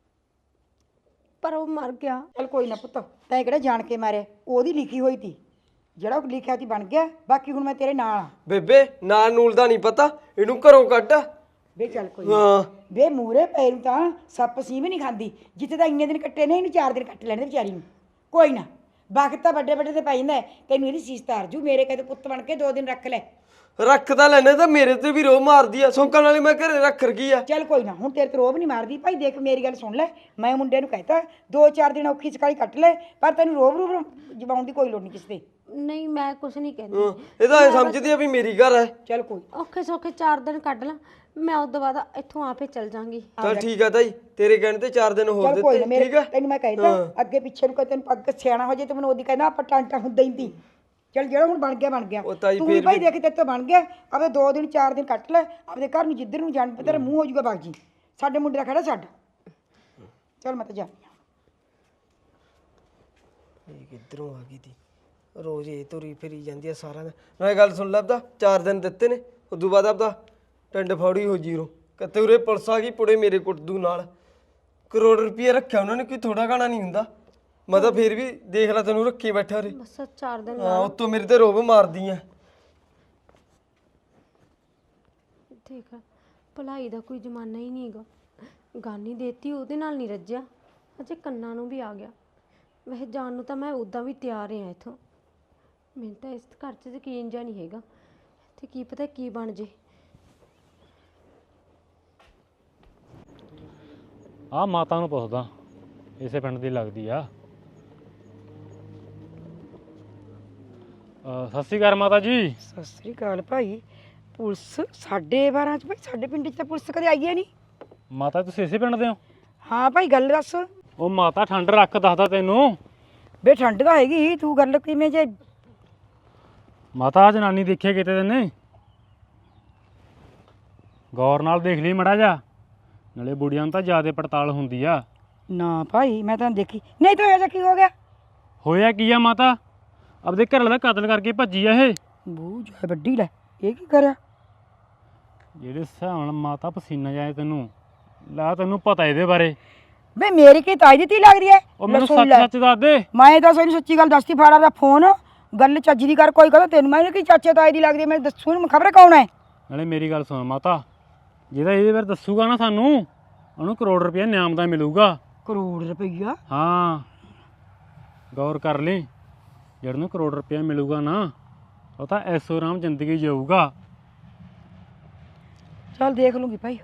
[SPEAKER 1] ਪਰ ਉਹ ਮਰ ਗਿਆ।
[SPEAKER 4] ਚੱਲ ਕੋਈ ਨਾ ਪੁੱਤ, ਤੈਂ ਕਿਹੜਾ ਜਾਣ ਕੇ ਮਾਰਿਆ? ਉਹਦੀ ਲਿਖੀ ਹੋਈ ਤੀ, ਜਿਹੜਾ ਉਹ ਲਿਖਿਆ ਸੀ ਬਣ ਗਿਆ। ਬਾਕੀ ਹੁਣ ਮੈਂ ਤੇਰੇ ਨਾਲ ਆ।
[SPEAKER 2] ਬੇਬੇ ਨਾਲ ਨੂਲ ਦਾ ਨਹੀਂ ਪਤਾ, ਇਹਨੂੰ ਘਰੋਂ ਕੱਢ।
[SPEAKER 4] ਵੇ ਚੱਲ ਕੋਈ
[SPEAKER 2] ਹਾਂ
[SPEAKER 4] ਵੇ ਮੂਰੇ ਪੈਰ ਨੂੰ ਤਾਂ ਸੱਪ ਸੀ ਵੀ ਨਹੀਂ ਖਾਂਦੀ। ਜਿੱਥੇ ਤਾਂ ਇੰਨੇ ਦਿਨ ਕੱਟੇ ਨੇ ਇਹਨੂੰ 4 ਦਿਨ ਕੱਟ ਲੈਣੇ ਵਿਚਾਰੀ ਨੂੰ। ਕੋਈ ਨਾ ਵਕਤ ਤਾਂ ਵੱਡੇ ਵੱਡੇ ਤੇ ਪੈ ਜਾਂਦਾ। ਤੈਨੂੰ ਇਹਦੀ ਸੀਸ ਤਾਰ ਜੂ। ਮੇਰੇ ਕਹਿੰਦੇ ਪੁੱਤ ਬਣ ਕੇ 2 ਦਿਨ ਰੱਖ ਲੈ।
[SPEAKER 2] ਰੱਖ ਤਾਂ ਲੈਣੇ, ਤਾਂ ਮੇਰੇ ਤੇ ਵੀ ਰੋਹ ਮਾਰਦੀ ਆ। ਸੌਂਕਣ ਵਾਲੀ ਮੈਂ ਘਰੇ ਰੱਖ ਰਖੀ ਆ।
[SPEAKER 4] ਚੱਲ ਕੋਈ ਨਾ, ਹੁਣ ਤੇਰੇ ਤੇ ਰੋਬ ਨਹੀਂ ਮਾਰਦੀ ਭਾਈ। ਦੇਖ ਮੇਰੀ ਗੱਲ ਸੁਣ ਲੈ, ਮੈਂ ਮੁੰਡੇ ਨੂੰ ਕਹਿਤਾ 2-4 ਦਿਨ ਔਖੀ ਸਕਾਲੀ ਕੱਟ ਲੈ, ਪਰ ਤੈਨੂੰ ਰੋਬ ਜਵਾਉਣ ਦੀ ਕੋਈ ਲੋੜ ਨਹੀਂ ਕਿਸੇ ਤੇ।
[SPEAKER 1] ਨਹੀਂ ਮੈਂ ਕੁਛ ਨਹੀਂ ਕਹਿੰਦੀ।
[SPEAKER 2] ਇਹ ਤਾਂ ਐ ਸਮਝਦੀ ਆ ਵੀ ਮੇਰੀ ਘਰ ਹੈ।
[SPEAKER 4] ਚੱਲ ਕੋਈ
[SPEAKER 1] ਔਖੇ ਸੌਖੇ 4 ਦਿਨ ਕੱਢ ਲਾਂ, ਮੈਂ ਉਸ ਤੋਂ ਬਾਅਦ ਇੱਥੋਂ ਆਪੇ ਚੱਲ ਜਾਵਾਂਗੀ।
[SPEAKER 2] ਚੱਲ ਠੀਕ ਆ ਤਾਈ, ਤੇਰੇ ਕਹਿਣ ਤੇ 4 ਦਿਨ ਹੋਰ
[SPEAKER 4] ਚੱਲ ਕੋਈ ਨਾ,
[SPEAKER 2] ਦਿੱਤੇ। ਠੀਕ ਆ
[SPEAKER 4] ਤੈਨੂੰ ਮੈਂ ਕਹਿਤਾ ਅੱਗੇ ਪਿੱਛੇ ਨੂੰ ਤੈਨੂੰ ਪੱਗ ਸਿਆਣਾ ਹੋ ਜੇ ਤੇ ਮੈਨੂੰ ਉਹਦੀ ਕਹਿੰਦਾ ਆਪਾਂ ਟਾਂਟਾ ਹੁੰਦਾ ਹੀ ਤੀ। ਚੱਲ ਜਿਹੜਾ ਹੁਣ ਬਣ ਗਿਆ ਬਣ ਗਿਆ। ਤੂੰ ਵੀ ਭਾਈ ਦੇਖ ਤੇਰੇ ਤੋਂ ਬਣ ਗਿਆ। ਆਪਦੇ 2 ਦਿਨ 4 ਦਿਨ ਕੱਟ ਲੈ, ਆਪਦੇ ਘਰ ਨੂੰ ਜਿੱਧਰ ਨੂੰ ਜਾਣ ਤੇਰਾ ਮੂੰਹ ਹੋ ਜਾਊਗਾ ਬਾਗ ਜੀ। ਸਾਡੇ ਮੁੰਡੇ ਦਾ ਖੜਾ ਛੱਡ। ਚੱਲ ਮੈਂ ਤਾਂ ਜਾਂਦੀ ਹਾਂ।
[SPEAKER 2] ਇਹ ਕਿੱਧਰੋਂ ਆ ਗਈ ਤੀ ਰੋਜ਼ ਇਹ ਤੁਰੀ ਫਿਰੀ ਜਾਂਦੀ ਆ ਸਾਰਾ ਦਿਨ ਮੈਂ ਗੱਲ ਸੁਣ ਲੱਭਦਾ 4 ਦਿਨ ਦਿੱਤੇ ਨੇ ਉਦੋਂ ਬਾਅਦ ਆਪਦਾ ਟੰਡ ਫੌੜੀ ਹੋ ਜੀਰੋ ਕਿਤੇ ਉਰੇ ਪੁਲਿਸ ਆ ਗਈ ਪੁੜੇ ਮੇਰੇ ਕੁੱਟਦੂ ਨਾਲ ਕਰੋੜ ਰੁਪਏ ਰੱਖਿਆ ਉਹਨਾਂ ਨੇ ਕੋਈ ਥੋੜਾ ਗਾਣਾ ਨਹੀਂ ਹੁੰਦਾ ਮੈਂ ਤਾਂ ਫੇਰ ਵੀ ਦੇਖ ਲਾ ਤੈਨੂੰ ਰੱਖੀ ਬੈਠਾ ਉਰੇ
[SPEAKER 1] ਬਸ 4 ਦਿਨ
[SPEAKER 2] ਹਾਂ ਉੱਤੋਂ ਮੇਰੇ ਤੇ ਰੋਬ ਮਾਰਦੀ ਆ
[SPEAKER 1] ਠੀਕ ਆ ਭਲਾਈ ਦਾ ਕੋਈ ਜ਼ਮਾਨਾ ਹੀ ਨਹੀਂਗਾ ਗਾਨੀ ਦੇਤੀ ਉਹਦੇ ਨਾਲ ਨਹੀਂ ਰੱਜਿਆ ਅਜੇ ਕੰਨਾਂ ਨੂੰ ਵੀ ਆ ਗਿਆ ਵੈਸੇ ਜਾਣ ਨੂੰ ਤਾਂ ਮੈਂ ਉੱਦਾਂ ਵੀ ਤਿਆਰ ਹਾਂ ਇੱਥੋਂ ਮੈਨੂੰ ਤਾਂ ਇਸ ਘਰ 'ਚ ਯਕੀਨ ਜਿਹਾ ਨਹੀਂ ਹੈਗਾ ਤੇ ਕੀ ਪਤਾ ਕੀ ਬਣ ਜੇ
[SPEAKER 3] ਆ ਮਾਤਾ ਨੂੰ ਪੁੱਛਦਾ ਇਸੇ ਪਿੰਡ ਦੀ ਲੱਗਦੀ ਆ ਸਤਿ ਸ਼੍ਰੀ ਅਕਾਲ ਮਾਤਾ ਜੀ।
[SPEAKER 4] ਸਤਿ ਸ੍ਰੀ ਅਕਾਲ ਭਾਈ। ਪੁਲਿਸ 12:30 ਚ ਭਾਈ ਸਾਡੇ ਪਿੰਡ 'ਚ ਤਾਂ ਪੁਲਿਸ ਕਦੇ ਆਈ ਹੈ ਨਹੀਂ।
[SPEAKER 3] ਮਾਤਾ ਤੁਸੀਂ ਇਸੇ ਪਿੰਡ ਦੇ ਹੋ?
[SPEAKER 4] ਹਾਂ ਭਾਈ ਗੱਲ ਦੱਸ।
[SPEAKER 3] ਉਹ ਮਾਤਾ ਠੰਡ ਰੱਖ ਦੱਸਦਾ ਤੈਨੂੰ।
[SPEAKER 4] ਬੇ ਠੰਡ ਤਾਂ ਹੈਗੀ ਤੂੰ ਗੱਲ ਕਿਵੇਂ ਜੇ
[SPEAKER 3] ਮਾਤਾ ਆ ਜਨਾਨੀ ਦੇਖਿਆ ਕਿਤੇ ਤੈਨੇ? ਗੌਰ ਨਾਲ ਦੇਖ ਲਈ ਮੜਾ ਜਾ ਨਾਲੇ ਬੁੜੀਆਂ ਨੂੰ ਤਾਂ ਜ਼ਿਆਦਾ ਪੜਤਾਲ ਹੁੰਦੀ ਆ।
[SPEAKER 4] ਨਾ ਭਾਈ ਮੈਂ ਤਾਂ ਦੇਖੀ ਨਹੀਂ ਤਾਂ ਇਹ ਕੀ ਹੋ ਗਿਆ?
[SPEAKER 3] ਹੋਇਆ ਕੀ ਆ ਮਾਤਾ ਆਪਦੇ ਘਰ ਵਾਲੇ ਦਾ ਕਤਲ ਕਰਕੇ ਭੱਜੀ ਆ ਇਹ।
[SPEAKER 4] ਬੂ ਜੋ ਵੱਡੀ ਲੈ ਇਹ ਕੀ ਕਰਿਆ?
[SPEAKER 3] ਜਿਹੜੇ ਹਿਸਾਬ ਨਾਲ ਮਾਤਾ ਪਸੀਨਾ ਜਾਏ ਤੈਨੂੰ ਲਾ ਤੈਨੂੰ ਪਤਾ ਇਹਦੇ ਬਾਰੇ।
[SPEAKER 4] ਬੇ ਮੇਰੀ ਕੀ ਤਾਈ ਦੀ ਤੀ ਲੱਗਦੀ ਹੈ?
[SPEAKER 3] ਉਹ ਮੈਨੂੰ ਸੱਚ ਸੱਚ ਦੱਸ ਦੇ।
[SPEAKER 4] ਮੈਂ ਤਾਂ ਸਹੀ ਸੱਚੀ ਗੱਲ ਦੱਸਦੀ ਫਾੜਾ ਦਾ ਫੋਨ ਗੱਲ ਚੱਜ ਦੀ ਕਰ ਕੋਈ ਕਹਿੰਦਾ ਤੈਨੂੰ ਮੈਂ ਕੀ ਚਾਚੇ ਤਾਈ ਦੀ ਲੱਗਦੀ ਮੈਂ ਦੱਸੂ ਨੂੰ ਖਬਰ ਕੌਣ ਹੈ?
[SPEAKER 3] ਨਾਲੇ ਮੇਰੀ ਗੱਲ ਸੁਣ ਮਾਤਾ ਜਿਹਦਾ ਇਹਦੇ ਬਾਰੇ ਦੱਸੂਗਾ ਨਾ ਸਾਨੂੰ ਉਹਨੂੰ ਕਰੋੜ ਰੁਪਇਆ ਇਨਾਮ ਦਾ ਮਿਲੂਗਾ।
[SPEAKER 4] ਕਰੋੜ ਰੁਪਈਆ?
[SPEAKER 3] ਹਾਂ ਗੌਰ ਕਰ ਲਈ ਜਿਹੜਾ ਨੂੰ ਕਰੋੜ ਰੁਪਇਆ ਮਿਲੂਗਾ ਨਾ ਉਹ ਤਾਂ ਐਸੋ ਆਰਾਮ ਜ਼ਿੰਦਗੀ ਜਿਊਗਾ।
[SPEAKER 4] ਚੱਲ ਦੇਖ ਲੂੰਗੀ ਭਾਈ।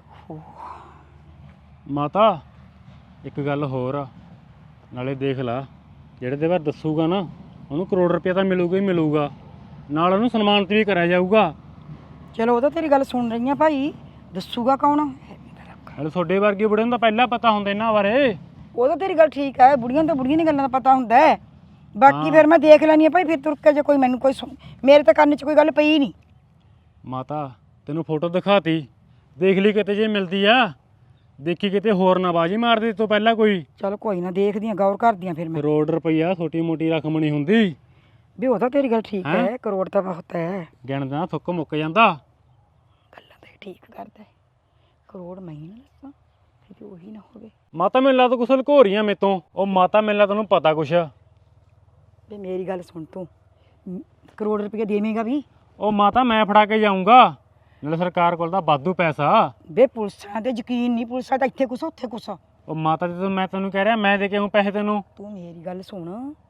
[SPEAKER 3] ਮਾਤਾ ਇੱਕ ਗੱਲ ਹੋਰ ਆ ਨਾਲੇ ਦੇਖ ਲਾ ਜਿਹੜੇ ਦੇ ਬਾਰੇ ਦੱਸੂਗਾ ਨਾ ਉਹਨੂੰ ਕਰੋੜ ਰੁਪਇਆ ਤਾਂ ਮਿਲੂਗਾ ਹੀ ਮਿਲੂਗਾ ਨਾਲ ਉਹਨੂੰ ਸਨਮਾਨਿਤ ਵੀ ਕਰਿਆ ਜਾਊਗਾ।
[SPEAKER 4] ਚਲੋ ਉਹ ਤਾਂ ਤੇਰੀ ਗੱਲ ਸੁਣ ਰਹੀ ਆ ਭਾਈ ਦੱਸੂਗਾ ਕੌਣ?
[SPEAKER 3] ਨਾਲੇ ਤੁਹਾਡੇ ਵਰਗੇ ਬੁੜੇ ਨੂੰ ਤਾਂ ਪਹਿਲਾਂ ਪਤਾ ਹੁੰਦਾ ਇਹਨਾਂ ਬਾਰੇ।
[SPEAKER 4] ਉਹ ਤਾਂ ਤੇਰੀ ਗੱਲ ਠੀਕ ਹੈ ਬੁੜੀਆਂ ਨੂੰ ਤਾਂ ਬੁੜੀਆਂ ਦੀਆਂ ਗੱਲਾਂ ਦਾ ਪਤਾ ਹੁੰਦਾ ਹੈ ਬਾਕੀ ਫਿਰ ਮੈਂ ਦੇਖ ਲੈਣੀ ਆ ਭਾਈ ਫਿਰ ਤੁਰ ਕੇ ਜੇ ਕੋਈ ਮੈਨੂੰ ਕੋਈ ਮੇਰੇ ਤਾਂ ਕੰਨ 'ਚ ਕੋਈ ਗੱਲ ਪਈ ਨਹੀਂ।
[SPEAKER 3] ਮਾਤਾ ਤੈਨੂੰ ਫੋਟੋ ਦਿਖਾਤੀ ਦੇਖ ਲਈ ਕਿਤੇ ਜੇ ਮਿਲਦੀ ਆ ਦੇਖੀ ਕਿਤੇ ਹੋਰ ਨਾ ਬਾਜੀ ਮਾਰ ਦੇ ਤੋਂ ਪਹਿਲਾਂ ਕੋਈ।
[SPEAKER 4] ਚਲ ਕੋਈ ਨਾ ਦੇਖਦੀ ਆ ਗੌਰ ਕਰਦੀ ਆ ਫਿਰ ਮੈਂ।
[SPEAKER 3] ਕਰੋੜ ਰੁਪਈਆ ਛੋਟੀ ਮੋਟੀ ਰਕਮ ਨਹੀਂ ਹੁੰਦੀ।
[SPEAKER 4] ਵੀ ਉਹ ਤਾਂ ਤੇਰੀ ਗੱਲ ਠੀਕ ਹੈ ਕਰੋੜ ਤਾਂ ਬਹੁਤ ਹੈ।
[SPEAKER 3] ਗਿਣਦੇ ਨਾ ਥੁੱਕ ਮੁੱਕ ਜਾਂਦਾ।
[SPEAKER 4] ਗੱਲਾਂ ਤਾਂ ਇਹ ਠੀਕ ਕਰਦਾ ਹੈ ਕਰੋੜ ਮੈਂ ਹੀ ਨਾ ਦੱਸਾਂ ਫਿਰ ਉਹੀ ਨਾ ਹੋਵੇ।
[SPEAKER 3] ਮਾਤਾ ਮੈਨੂੰ ਲੱਗਦਾ ਕੁਛ ਲੁਕੋ ਰਹੀਆਂ ਮੇਰੇ ਤੋਂ। ਉਹ ਮਾਤਾ ਮੈਨੂੰ ਲੱਗਦਾ ਤੈਨੂੰ ਪਤਾ ਕੁਛ।
[SPEAKER 4] ਵੀ ਮੇਰੀ ਗੱਲ ਸੁਣ ਤੂੰ ਕਰੋੜ ਰੁਪਏ ਦੇਵੇਂਗਾ ਵੀ?
[SPEAKER 3] ਉਹ ਮਾਤਾ ਮੈਂ ਫੜਾ ਕੇ ਜਾਊਂਗਾ ਨਾਲੇ ਸਰਕਾਰ ਕੋਲ ਤਾਂ ਵਾਧੂ ਪੈਸਾ।
[SPEAKER 4] ਵੇ ਪੁਲਿਸਾਂ ਤੇ ਯਕੀਨ ਨਹੀਂ ਪੁਲਿਸਾਂ ਤਾਂ ਇੱਥੇ ਕੁਛ ਉੱਥੇ ਕੁਛ।
[SPEAKER 3] ਉਹ ਮਾਤਾ ਜਦੋਂ ਮੈਂ ਤੈਨੂੰ ਕਹਿ ਰਿਹਾ ਮੈਂ ਦੇ ਕੇ ਆਊਂ ਪੈਸੇ ਤੈਨੂੰ।
[SPEAKER 4] ਤੂੰ ਮੇਰੀ ਗੱਲ ਸੁਣ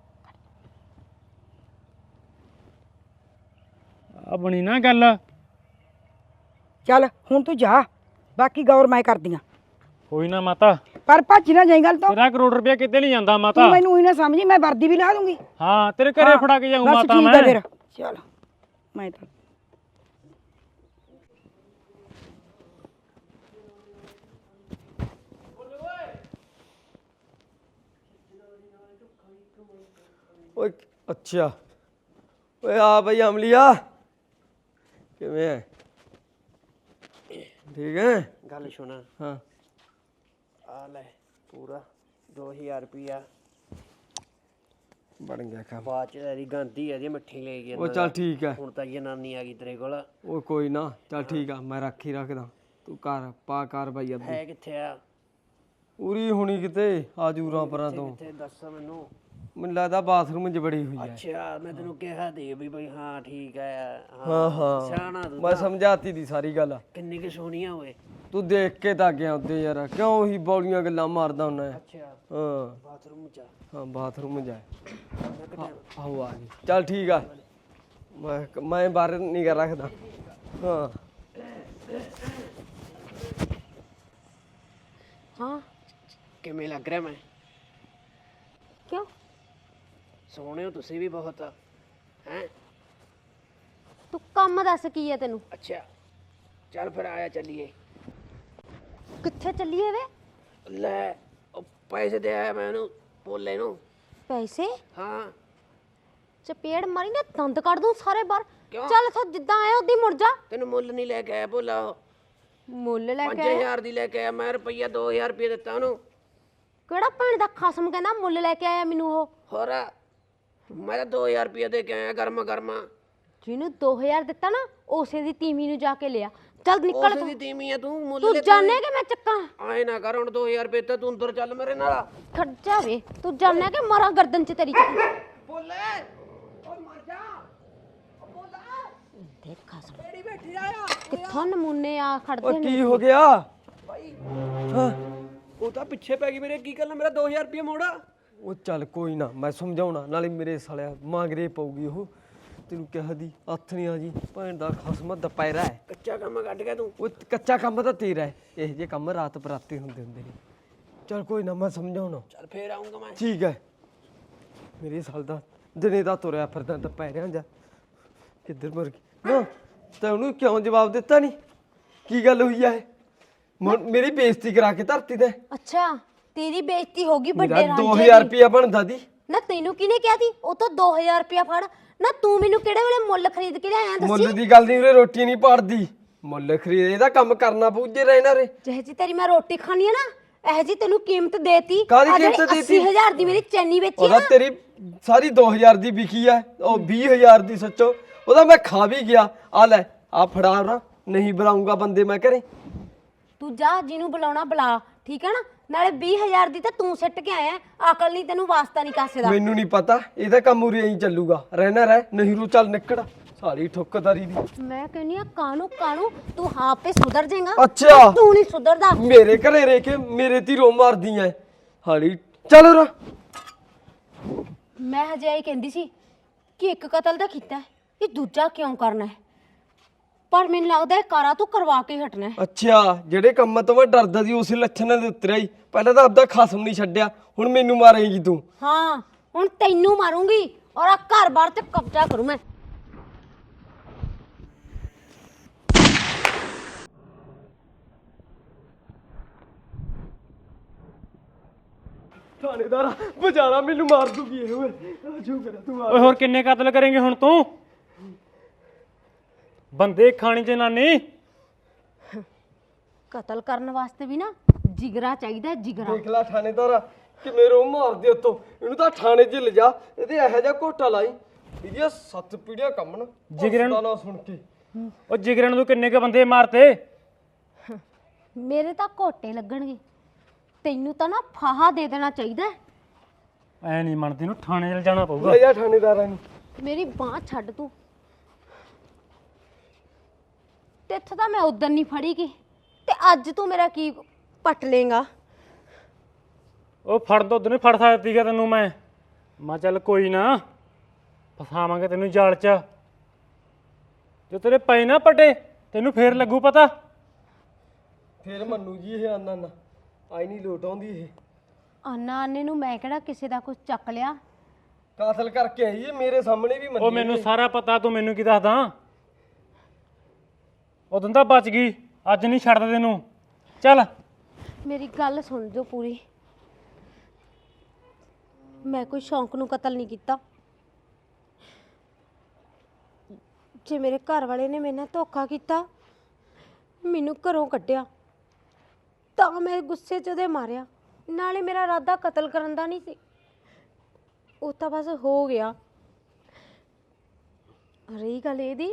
[SPEAKER 3] ਆ ਬਣੀ ਨਾ ਗੱਲ।
[SPEAKER 4] ਚੱਲ ਹੁਣ ਤੂੰ ਜਾ ਬਾਕੀ ਗੌਰ ਮੈਂ ਕਰਦੀ ਆ।
[SPEAKER 3] ਕੋਈ ਨਾ ਮਾਤਾ
[SPEAKER 4] ਪਰ ਭੱਜ ਨਾ ਜਾਈ ਗੱਲ ਤੋਂ।
[SPEAKER 3] ਤੇਰਾ ਕਰੋੜ ਰੁਪਇਆ ਕਿਤੇ ਨਹੀਂ ਜਾਂਦਾ ਮਾਤਾ।
[SPEAKER 4] ਤੂੰ ਮੈਨੂੰ ਹੀ ਨਾ ਸਮਝੀ ਮੈਂ ਵਰਦੀ ਵੀ ਲਾ ਦੂੰਗੀ।
[SPEAKER 3] ਹਾਂ ਤੇਰੇ ਘਰੇ ਫੜਾ ਕੇ ਜਾਊਂ
[SPEAKER 4] ਬਸ
[SPEAKER 3] ਮਾਤਾ
[SPEAKER 4] ਠੀਕ ਹੈ
[SPEAKER 3] ਮੈਂ।
[SPEAKER 4] ਫਿਰ ਚੱਲ ਮੈਂ ਤਾਂ
[SPEAKER 2] ਓਏ ਅੱਛਾ ਓਏ ਆ ਬਈ ਅਮਲੀਆ ਕਿਵੇਂ ਹੈ ਠੀਕ ਹੈ
[SPEAKER 5] ਗੱਲ ਸੁਣ
[SPEAKER 2] ਹਾਂ
[SPEAKER 5] ਆ ਲੈ ਪੂਰਾ 2000 ਰੁਪਿਆ
[SPEAKER 2] ਬਣ ਗਿਆ ਕੰਮ
[SPEAKER 5] ਬਾਅਦ ਚ ਤੇਰੀ ਗਾਂਧੀ ਆ ਜੀ ਮਿੱਠੀ ਲੈ ਗਈ
[SPEAKER 2] ਉਹ ਚੱਲ ਠੀਕ ਹੈ
[SPEAKER 5] ਹੁਣ ਤਾਂ ਜਨਾਨੀ ਆ ਗਈ ਤੇਰੇ ਕੋਲ।
[SPEAKER 2] ਉਹ ਕੋਈ ਨਾ ਚੱਲ ਠੀਕ ਆ ਮੈਂ ਰੱਖ ਹੀ ਰੱਖਦਾ ਤੂੰ ਕਰ ਪਾ ਕਾਰਵਾਈ ਅੱਧੀ
[SPEAKER 5] ਹੈ ਕਿੱਥੇ ਆ?
[SPEAKER 2] ਪੂਰੀ ਹੋਣੀ ਕਿਤੇ ਆ ਜੂਰਾਂ ਪਰਾਂ ਤੋਂ
[SPEAKER 5] ਕਿੱਥੇ ਦੱਸ ਮੈਨੂੰ।
[SPEAKER 2] ਮੈਨੂੰ ਲੱਗਦਾ ਬਾਥਰੂਮ 'ਚ ਬੜੀ ਹੋਈ ਹੈ
[SPEAKER 5] ਅੱਛਾ ਮੈਂ ਤੈਨੂੰ ਕਿਹਾ ਦੇ ਵੀ ਬਈ ਹਾਂ ਠੀਕ ਆ।
[SPEAKER 2] ਹਾਂ ਹਾਂ
[SPEAKER 5] ਸਿਆਣਾ ਤੂੰ
[SPEAKER 2] ਮੈਂ ਸਮਝਾਤੀ ਦੀ ਸਾਰੀ ਗੱਲ
[SPEAKER 5] ਕਿੰਨੀ ਕਿ ਸੋਹਣੀਆਂ ਹੋਏ।
[SPEAKER 2] ਤੂੰ ਦੇਖ ਕੇ ਤਾਂ ਗਿਆ ਉੱਤੇ ਯਾਰ ਕਿਉਂ ਹੀ ਬੌਲੀਆਂ ਗੱਲਾਂ ਮਾਰਦਾ ਹੁੰਦਾ ਹੈ
[SPEAKER 5] ਅੱਛਾ
[SPEAKER 2] ਹਾਂ
[SPEAKER 5] ਬਾਥਰੂਮ ਚ
[SPEAKER 2] ਹਾਂ ਬਾਥਰੂਮ ਜਾ ਆਹੋ ਆ ਗਈ ਚੱਲ ਠੀਕ ਆ ਮੈਂ ਬਾਹਰ ਨਹੀਂ ਕਰ ਰੱਖਦਾ ਹਾਂ
[SPEAKER 1] ਹਾਂ
[SPEAKER 5] ਕਿਵੇਂ ਲੱਗ ਰਿਹਾ ਮੈਂ?
[SPEAKER 1] ਕਿਉਂ
[SPEAKER 5] ਸੋਹਣੇ ਹੋ ਤੁਸੀਂ ਵੀ ਬਹੁਤ ਹੈ।
[SPEAKER 1] ਤੂੰ ਕੰਮ ਦੱਸ ਕੀ ਹੈ ਤੈਨੂੰ?
[SPEAKER 5] ਅੱਛਾ ਚੱਲ ਫਿਰ ਆਇਆ ਚੱਲੀਏ।
[SPEAKER 1] ਕਿੱਥੇ ਚੱਲੀਏ ਵੇ?
[SPEAKER 5] ਲੈ ਉਹ ਪੈਸੇ ਦੇ ਆਇਆ ਮੈਂ ਉਹਨੂੰ ਭੋਲੇ ਨੂੰ।
[SPEAKER 1] ਪੈਸੇ?
[SPEAKER 5] ਹਾਂ
[SPEAKER 1] ਚਪੇੜ ਮਾਰੀ ਨਾ ਦੰਦ ਕੱਢ ਦੂੰ ਸਾਰੇ ਬਾਹਰ।
[SPEAKER 5] ਕਿਉਂ?
[SPEAKER 1] ਚੱਲ ਇੱਥੋਂ ਜਿੱਦਾਂ ਆਇਆ ਉਦੀ ਮੁੜ ਜਾ।
[SPEAKER 5] ਤੈਨੂੰ ਮੁੱਲ ਨਹੀਂ ਲੈ ਕੇ ਆਇਆ ਭੋਲਾ ਉਹ।
[SPEAKER 1] ਮੁੱਲ ਲੈ ਕੇ ਆਇਆ?
[SPEAKER 5] 5000 ਦੀ ਲੈ ਕੇ ਆਇਆ ਮੈਂ ਰੁਪਈਆ 2000 ਰੁਪਏ ਦਿੱਤਾ ਉਹਨੂੰ।
[SPEAKER 1] ਕਿਹੜਾ ਭੈਣ ਦਾ ਖਸਮ ਕਹਿੰਦਾ ਮੁੱਲ ਲੈ ਕੇ ਆਇਆ ਮੈਨੂੰ ਉਹ?
[SPEAKER 5] ਹੋਰ ਮੈਂ ਤਾਂ 2000 ਰੁਪਏ ਦੇ ਕੇ ਆਇਆ ਗਰਮਾ ਗਰਮਾ।
[SPEAKER 1] ਜਿਹਨੂੰ 2000 ਦਿੱਤਾ ਨਾ ਉਸੇ ਦੀ ਤੀਵੀਂ ਨੂੰ ਜਾ ਕੇ ਲਿਆ। ਚੱਲ ਨਿਕਲ
[SPEAKER 5] ਉਸੇ ਦੀ ਤੀਵੀਂ ਆ ਤੂੰ, ਮੁੱਲ
[SPEAKER 1] ਤੂੰ
[SPEAKER 5] ਲੈ
[SPEAKER 1] ਜਾਣੇ ਕਿ ਮੈਂ ਚੱਕਾਂ
[SPEAKER 5] ਆਏ ਨਾ ਕਰ ਹੁਣ 2000 ਰੁਪਏ ਤੇ ਤੂੰ ਅੰਦਰ ਚੱਲ ਮੇਰੇ ਨਾਲ।
[SPEAKER 1] ਖੜ ਜਾਵੇ ਤੂੰ ਜਾਣੇ ਕਿ ਮਾਰਾਂ ਗਰਦਨ 'ਚ ਤੇਰੀ
[SPEAKER 5] ਬੋਲੇ ਓ ਮਰ ਜਾ ਓ ਬੋਲੇ
[SPEAKER 1] ਦੇਖਾ ਸਣ
[SPEAKER 5] ਕਿਹੜੀ ਬੈਠੀ ਆਇਆ
[SPEAKER 1] ਕਿੱਥੋਂ ਨਮੂਨੇ ਆ
[SPEAKER 2] ਓ
[SPEAKER 1] ਖੜਦੇ ਨੇ।
[SPEAKER 2] ਕੀ ਹੋ ਗਿਆ?
[SPEAKER 5] ਭਾਈ
[SPEAKER 2] ਹਾਂ
[SPEAKER 5] ਉਹ ਤਾਂ ਪਿੱਛੇ ਪੈ ਗਈ ਮੇਰੇ। ਕੀ ਗੱਲ ਮੇਰਾ 2000 ਰੁਪਏ ਮੋੜਾ।
[SPEAKER 2] ਉਹ ਚੱਲ ਕੋਈ ਨਾ, ਮੈਂ ਸਮਝਾਉਣਾ, ਨਾਲੇ ਮੇਰੇ ਸਾਲਿਆ ਮਾਂਗਰੇ ਪਊਗੀ ਉਹ। ਤੈਨੂੰ ਕਿਹਾ ਦੀ ਹੱਥ ਨਹੀਂ ਆ ਜੀ, ਭੈਣ ਦਾ ਖਸਮ ਦੁਪਹਿਰਾ ਹੈ।
[SPEAKER 5] ਕੱਚਾ ਕੰਮ ਕੱਢ ਗਿਆ ਤੂੰ।
[SPEAKER 2] ਉਹ ਕੱਚਾ ਕੰਮ ਤਾਂ ਤੇਰਾ ਹੈ, ਇਹ ਜੇ ਕੰਮ ਰਾਤ ਬਰਾਤੇ ਹੁੰਦੇ ਨੇ। ਚੱਲ ਕੋਈ ਨਾ, ਮੈਂ ਸਮਝਾਉਣਾ।
[SPEAKER 5] ਚੱਲ ਫੇਰ ਆਉਂਗਾ ਮੈਂ।
[SPEAKER 2] ਠੀਕ ਹੈ। ਮੇਰੇ ਸਾਲ ਦਾ ਦਿਨੇ ਦਾ ਤੁਰਿਆ ਫਿਰਦਾ ਦੁਪਹਿਰਿਆਂ ਜਾ ਕਿੱਧਰ ਮਰ ਗਈ ਨਾ। ਤਾਂ ਉਹਨੂੰ ਕਿਉਂ ਜਵਾਬ ਦਿੱਤਾ ਨਹੀਂ? ਕੀ ਗੱਲ ਹੋਈ ਹੈ? ਮੇਰੀ ਬੇਇੱਜ਼ਤੀ ਕਰਾ ਕੇ ਧਰਤੀ ਤੇ
[SPEAKER 1] ਅੱਛਾ ਤੇਰੀ ਬੇਇੱਜ਼ਤੀ ਹੋ ਗਈ
[SPEAKER 2] ਮੇਰਾ
[SPEAKER 1] ਵੱਡੇ ਰਾਂਝੇ
[SPEAKER 2] 2000
[SPEAKER 1] ਦੀ।
[SPEAKER 2] ਰੁਪਇਆ ਬਣਦਾ ਦੀ।
[SPEAKER 1] ਨਾ ਤੈਨੂੰ ਕਿਹਨੇ ਕਿਹਾ ਸੀ ਉਹ ਤੋਂ 2000 ਰੁਪਇਆ ਫੜ। ਨਾ ਤੂੰ ਮੈਨੂੰ ਕਿਹੜੇ ਵੇਲੇ ਮੁੱਲ ਖਰੀਦ ਕੇ ਲਿਆਇਆ ਦੱਸੀ।
[SPEAKER 2] ਮੁੱਲ ਦੀ ਗੱਲ ਨਹੀਂ, ਉਰੇ ਰੋਟੀ ਨਹੀਂ ਪਾੜਦੀ। ਮੁੱਲ ਖਰੀਦ ਇਹਦਾ ਕੰਮ ਕਰਨਾ ਪਊਜੇ ਰਹਿਣਾ ਰੇ।
[SPEAKER 1] ਜਿਹੇ ਜੀ ਤੇਰੀ ਮੈਂ ਰੋਟੀ ਖਾਣੀ ਆ ਨਾ, ਇਹ ਜੀ ਤੈਨੂੰ ਕੀਮਤ ਦੇਤੀ।
[SPEAKER 2] ਕਾਹਦੀ
[SPEAKER 1] ਆਹ ਜਿਹੜੀ
[SPEAKER 2] ਕੀਮਤ ਦੇਤੀ?
[SPEAKER 1] 80000 ਦੀ ਮੇਰੀ ਚੈਨੀ ਵੇਚੀ
[SPEAKER 2] ਉਹਦਾ
[SPEAKER 1] ਨਾ।
[SPEAKER 2] ਤੇਰੀ ਸਾਰੀ 2000 ਦੀ ਵਿਕੀ ਆ, ਉਹ 20000 ਦੀ ਸੱਚੋ। ਉਹਦਾ ਮੈਂ ਖਾ ਵੀ ਗਿਆ। ਆ ਲੈ ਆ ਫੜਾ ਨਾ, ਨਹੀਂ ਬੁਲਾਉਂਗਾ ਬੰਦੇ ਮੈਂ ਘਰੇ।
[SPEAKER 1] ਤੂੰ ਜਾ ਜਿਹਨੂੰ ਬੁਲਾਉਣਾ ਬੁਲਾ, ਠੀਕ ਹੈ ਨਾ। ਨਾਲੇ 20000 ਦੀ ਤਾਂ ਤੂੰ ਸਿੱਟ ਕੇ ਆਇਆ। ਅਕਲ ਨਹੀਂ ਤੈਨੂੰ, ਵਾਸਤਾ ਨਹੀਂ ਕਾਸੇ ਦਾ।
[SPEAKER 2] ਮੈਨੂੰ ਨਹੀਂ ਪਤਾ, ਇਹਦਾ ਕੰਮ ਉਰੇ ਐਂ ਚੱਲੂਗਾ। ਰਹਿਣਾ ਰਹਿ, ਨਹੀਂ ਰੂ ਚੱਲ ਨਿਕੜ ਸਾਰੀ ਠੁੱਕਦਾਰੀ ਦੀ।
[SPEAKER 1] ਮੈਂ ਕਹਿੰਨੀ ਆ ਕਾਣੂ ਕਾਣੂ ਤੂੰ ਆਪੇ ਸੁਧਰ ਜਾਏਗਾ।
[SPEAKER 2] ਅੱਛਾ।
[SPEAKER 1] ਤੂੰ ਨਹੀਂ ਸੁਧਰਦਾ।
[SPEAKER 2] ਮੇਰੇ ਘਰੇ ਰਹਿ ਕੇ ਮੇਰੇ ਤੇ ਰੋ ਮਾਰਦੀ ਐ ਹਾਲੀ। ਚੱਲ ਰ
[SPEAKER 1] ਮੈਂ ਹਜੇ ਇਹ ਕਹਿੰਦੀ ਸੀ ਕਿ ਇੱਕ ਕਤਲ ਤਾਂ ਕੀਤਾ ਹੈ, ਇਹ ਦੂਜਾ ਕਿਉਂ ਕਰਨਾ ਹੈ? ਪਰ ਮੈਨੂੰ ਲੱਗਦਾ ਇਹ ਕਾਰਾ ਤੂੰ ਕਰਵਾ ਕੇ ਹੀ ਹਟਣਾ ਹੈ।
[SPEAKER 2] ਅੱਛਾ, ਜਿਹੜੇ ਕੰਮ ਤੋਂ ਮੈਂ ਡਰਦਾ ਸੀ ਉਸੇ ਲੱਛਣਾਂ ਦੇ ਉਤਰਿਆ ਹੀ। ਪਹਿਲਾਂ ਤਾਂ ਆਪਦਾ ਖਸਮ ਨਹੀਂ ਛੱਡਿਆ, ਹੁਣ ਮੈਨੂੰ ਮਾਰੇਂਗੀ ਤੂੰ।
[SPEAKER 1] ਹਾਂ ਹੁਣ ਤੈਨੂੰ ਮਾਰੂੰਗੀ ਔਰ ਆ ਘਰ-ਬਾਰ ਤੇ ਕਬਜ਼ਾ ਕਰੂੰ ਮੈਂ।
[SPEAKER 2] ਥਾਣੇਦਾਰ ਬਚਾਣਾ, ਮੈਨੂੰ ਮਾਰ ਦੂਗੀ ਇਹ। ਓਏ ਆਜੋ ਕਰ ਤੂੰ ਆ।
[SPEAKER 3] ਓਏ ਹੋਰ ਕਿੰਨੇ ਕਤਲ ਕਰੇਂਗੇ ਹੁਣ ਤੂੰ? ਬੰਦੇ ਖਾਣੀ ਜਨਾਨੀ।
[SPEAKER 1] ਕਤਲ ਕਰਨ ਵਾਸਤੇ ਵੀ ਨਾ ਜਿਗਰਾ ਚਾਹੀਦਾ ਹੈ, ਜਿਗਰਾ।
[SPEAKER 2] ਦੇਖ ਲੈ ਥਾਣੇਦਾਰ ਕਿਵੇਂ ਰੋ ਮਾਰਦੇ ਉੱਤੋਂ। ਇਹਨੂੰ ਤਾਂ ਥਾਣੇ 'ਚ ਲਿਜਾ, ਇਹਦੇ ਇਹੋ ਜਿਹਾ ਘੋਟਾ ਲਾਈ ਇਹਦੀਆਂ 7 ਪੀੜ੍ਹੀਆਂ ਕੰਮਣ।
[SPEAKER 3] ਜਿਗਰੇ ਨੂੰ-
[SPEAKER 2] ਨਾ ਸੁਣ ਕੇ
[SPEAKER 3] ਉਹ ਜਿਗਰੇ ਨੂੰ ਤੂੰ ਕਿੰਨੇ ਕ ਬੰਦੇ ਮਾਰਤੇ?
[SPEAKER 1] ਮੇਰੇ ਤਾਂ ਘੋਟੇ ਲੱਗਣਗੇ, ਤੈਨੂੰ ਤਾਂ ਨਾ ਫਾਹਾ ਦੇ ਦੇਣਾ ਚਾਹੀਦਾ ਹੈ।
[SPEAKER 3] ਐ ਨਹੀਂ ਮੰਨਦੀ ਨੂੰ, ਥਾਣੇ 'ਚ ਜਾਣਾ ਪਊਗਾ।
[SPEAKER 2] ਲੈ ਜਾ ਥਾਣੇਦਾਰਾਂ ਨੂੰ।
[SPEAKER 1] ਮੇਰੀ ਬਾਂਹ ਛੱਡ ਤੂੰ। ਤੇਥੋਂ ਤਾਂ ਮੈਂ ਉਦੋਂ ਨਹੀਂ ਫੜੀ ਗਈ ਤੇ ਅੱਜ ਤੂੰ ਮੇਰਾ ਕੀ ਪੱਟ ਲੇਗਾ?
[SPEAKER 3] ਉਹ ਫੜ ਦੋ ਉਦੋਂ ਫੜ ਸਕਦੀ ਸੀਗਾ ਤੈਨੂੰ ਮੈਂ ਚੱਲ ਕੋਈ ਨਾ, ਫਸਾਵਾਂਗੇ ਤੈਨੂੰ ਜਾਲ 'ਚ। ਜੋ ਤੇਰੇ ਪਏ ਨਾ ਪਟੇ, ਤੈਨੂੰ ਫੇਰ ਲੱਗੂ ਪਤਾ।
[SPEAKER 2] ਫੇਰ ਮੰਨੂ ਜੀ ਇਹ ਆਨਾ ਨਾ ਆਈ ਨਹੀਂ ਲੋਟ ਆਉਂਦੀ। ਇਹ
[SPEAKER 1] ਆਨਾ ਆਨੇ ਨੂੰ ਮੈਂ ਕਿਹੜਾ ਕਿਸੇ ਦਾ ਕੁਝ ਚੱਕ ਲਿਆ?
[SPEAKER 2] ਕਾਤਲ ਕਰਕੇ ਆਈ ਇਹ, ਮੇਰੇ ਸਾਹਮਣੇ ਵੀ ਮੰਨੀ।
[SPEAKER 3] ਉਹ ਮੈਨੂੰ ਸਾਰਾ ਪਤਾ, ਤੂੰ ਮੈਨੂੰ ਕੀ ਦੱਸਦਾ? ਉਦੋਂ ਤਾਂ ਬਚ ਗਈ, ਅੱਜ ਨਹੀਂ ਛੱਡਦਾ ਤੈਨੂੰ। ਚੱਲ
[SPEAKER 1] ਮੇਰੀ ਗੱਲ ਸੁਣ ਜੋ ਪੂਰੀ। ਮੈਂ ਕੋਈ ਸ਼ੌਂਕ ਨੂੰ ਕਤਲ ਨਹੀਂ ਕੀਤਾ। ਜੇ ਮੇਰੇ ਘਰ ਵਾਲੇ ਨੇ ਮੇਰੇ ਨਾਲ ਧੋਖਾ ਕੀਤਾ, ਮੈਨੂੰ ਘਰੋਂ ਕੱਢਿਆ, ਤਾਂ ਮੈਂ ਗੁੱਸੇ 'ਚ ਉਹਦੇ ਮਾਰਿਆ। ਨਾਲੇ ਮੇਰਾ ਇਰਾਦਾ ਕਤਲ ਕਰਨ ਦਾ ਨਹੀਂ ਸੀ, ਉਹ ਤਾਂ ਬਸ ਹੋ ਗਿਆ। ਰਹੀ ਗੱਲ ਇਹਦੀ,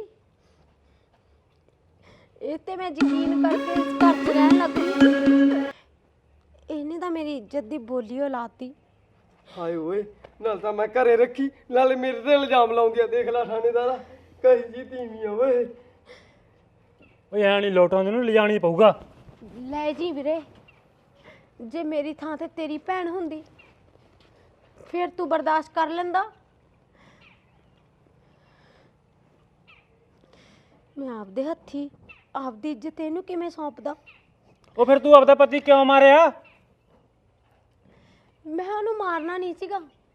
[SPEAKER 1] ਇਹ ਤੇ ਮੈਂ ਯਕੀਨ ਕਰਕੇ ਇਸ ਘਰ 'ਚ ਰਹਿਣ ਲੱਗ ਗਈ। ਇਹਨੇ ਤਾਂ ਮੇਰੀ ਇੱਜ਼ਤ ਦੀ ਬੋਲੀ ਲਾਤੀ।
[SPEAKER 2] ਹਾਏ ਓਏ, ਨਾਲ ਤਾਂ ਮੈਂ ਘਰੇ ਰੱਖੀ, ਨਾਲੇ ਮੇਰੇ ਤੇ ਇਲਜ਼ਾਮ ਲਾਉਂਦੀ ਆ। ਦੇਖ ਲੈ ਥਾਣੇਦਾਰਾ ਕਹੀ ਜੀ ਤੀਵੀਂ ਆ ਓਏ।
[SPEAKER 3] ਓਏ ਐ ਨਹੀਂ ਲੋਟ ਆਉਂਦੀ ਨੂੰ, ਲਿਜਾਣੀ ਪਊਗਾ।
[SPEAKER 1] ਲੈ ਜੀ ਵੀਰੇ, ਜੇ ਮੇਰੀ ਥਾਂ ਤੇ ਤੇਰੀ ਭੈਣ ਹੁੰਦੀ ਫਿਰ ਤੂੰ ਬਰਦਾਸ਼ਤ ਕਰ ਲੈਂਦਾ। ਮੈਂ ਆਪਦੇ ਹੱਥੀ ਆਪਦੀ ਇੱਜ਼ਤ ਇਹਨੂੰ ਕਿਵੇਂ ਸੌਂਪਦਾ?
[SPEAKER 3] ਉਹ ਫਿਰ ਤੂੰ ਆਪਦਾ ਪਤੀ ਕਿਉਂ ਮਾਰਿਆ?
[SPEAKER 1] ਮੈਂ ਉਹਨੂੰ ਮਾਰਨਾ ਨਹੀਂ ਸੀਗਾ,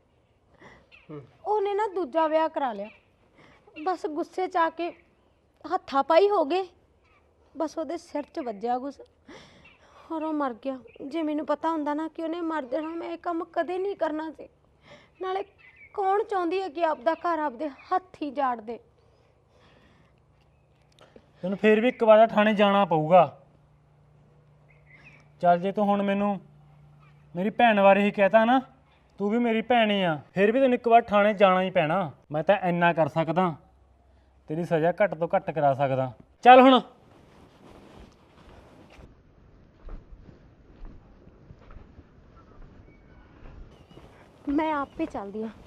[SPEAKER 1] ਉਹਨੇ ਨਾ ਦੂਜਾ ਵਿਆਹ ਕਰਾ ਲਿਆ। ਬਸ ਗੁੱਸੇ 'ਚ ਆ ਕੇ ਹੱਥਾਂ ਪਾਈ ਹੋ ਗਏ, ਬਸ ਉਹਦੇ ਸਿਰ 'ਚ ਵੱਜਿਆ ਕੁਛ ਔਰ ਉਹ ਮਰ ਗਿਆ। ਜੇ ਮੈਨੂੰ ਪਤਾ ਹੁੰਦਾ ਨਾ ਕਿ ਉਹਨੇ ਮਰ ਜਾਣਾ, ਮੈਂ ਇਹ ਕੰਮ ਕਦੇ ਨਹੀਂ ਕਰਨਾ ਸੀ। ਨਾਲੇ ਕੌਣ ਚਾਹੁੰਦੀ ਹੈ ਕਿ ਆਪਦਾ ਘਰ ਆਪਦੇ ਹੱਥੀ ਜਾੜ ਦੇ?
[SPEAKER 3] ਤੈਨੂੰ ਫੇਰ ਵੀ ਇੱਕ ਵਾਰ ਥਾਣੇ ਜਾਣਾ ਪਊਗਾ। ਚੱਲ ਜੇ ਤੂੰ ਹੁਣ ਮੈਨੂੰ ਮੇਰੀ ਭੈਣ ਬਾਰੇ ਹੀ ਕਹਿਤਾ ਨਾ, ਤੂੰ ਵੀ ਮੇਰੀ ਭੈਣ ਹੀ ਆ, ਫਿਰ ਵੀ ਤੈਨੂੰ ਇੱਕ ਵਾਰ ਥਾਣੇ ਜਾਣਾ ਹੀ ਪੈਣਾ। ਮੈਂ ਤਾਂ ਇੰਨਾ ਕਰ ਸਕਦਾ, ਤੇਰੀ ਸਜ਼ਾ ਘੱਟ ਤੋਂ ਘੱਟ ਕਰਾ ਸਕਦਾ। ਚੱਲ ਹੁਣ।
[SPEAKER 1] ਮੈਂ ਆਪੇ ਚੱਲਦੀ ਆ।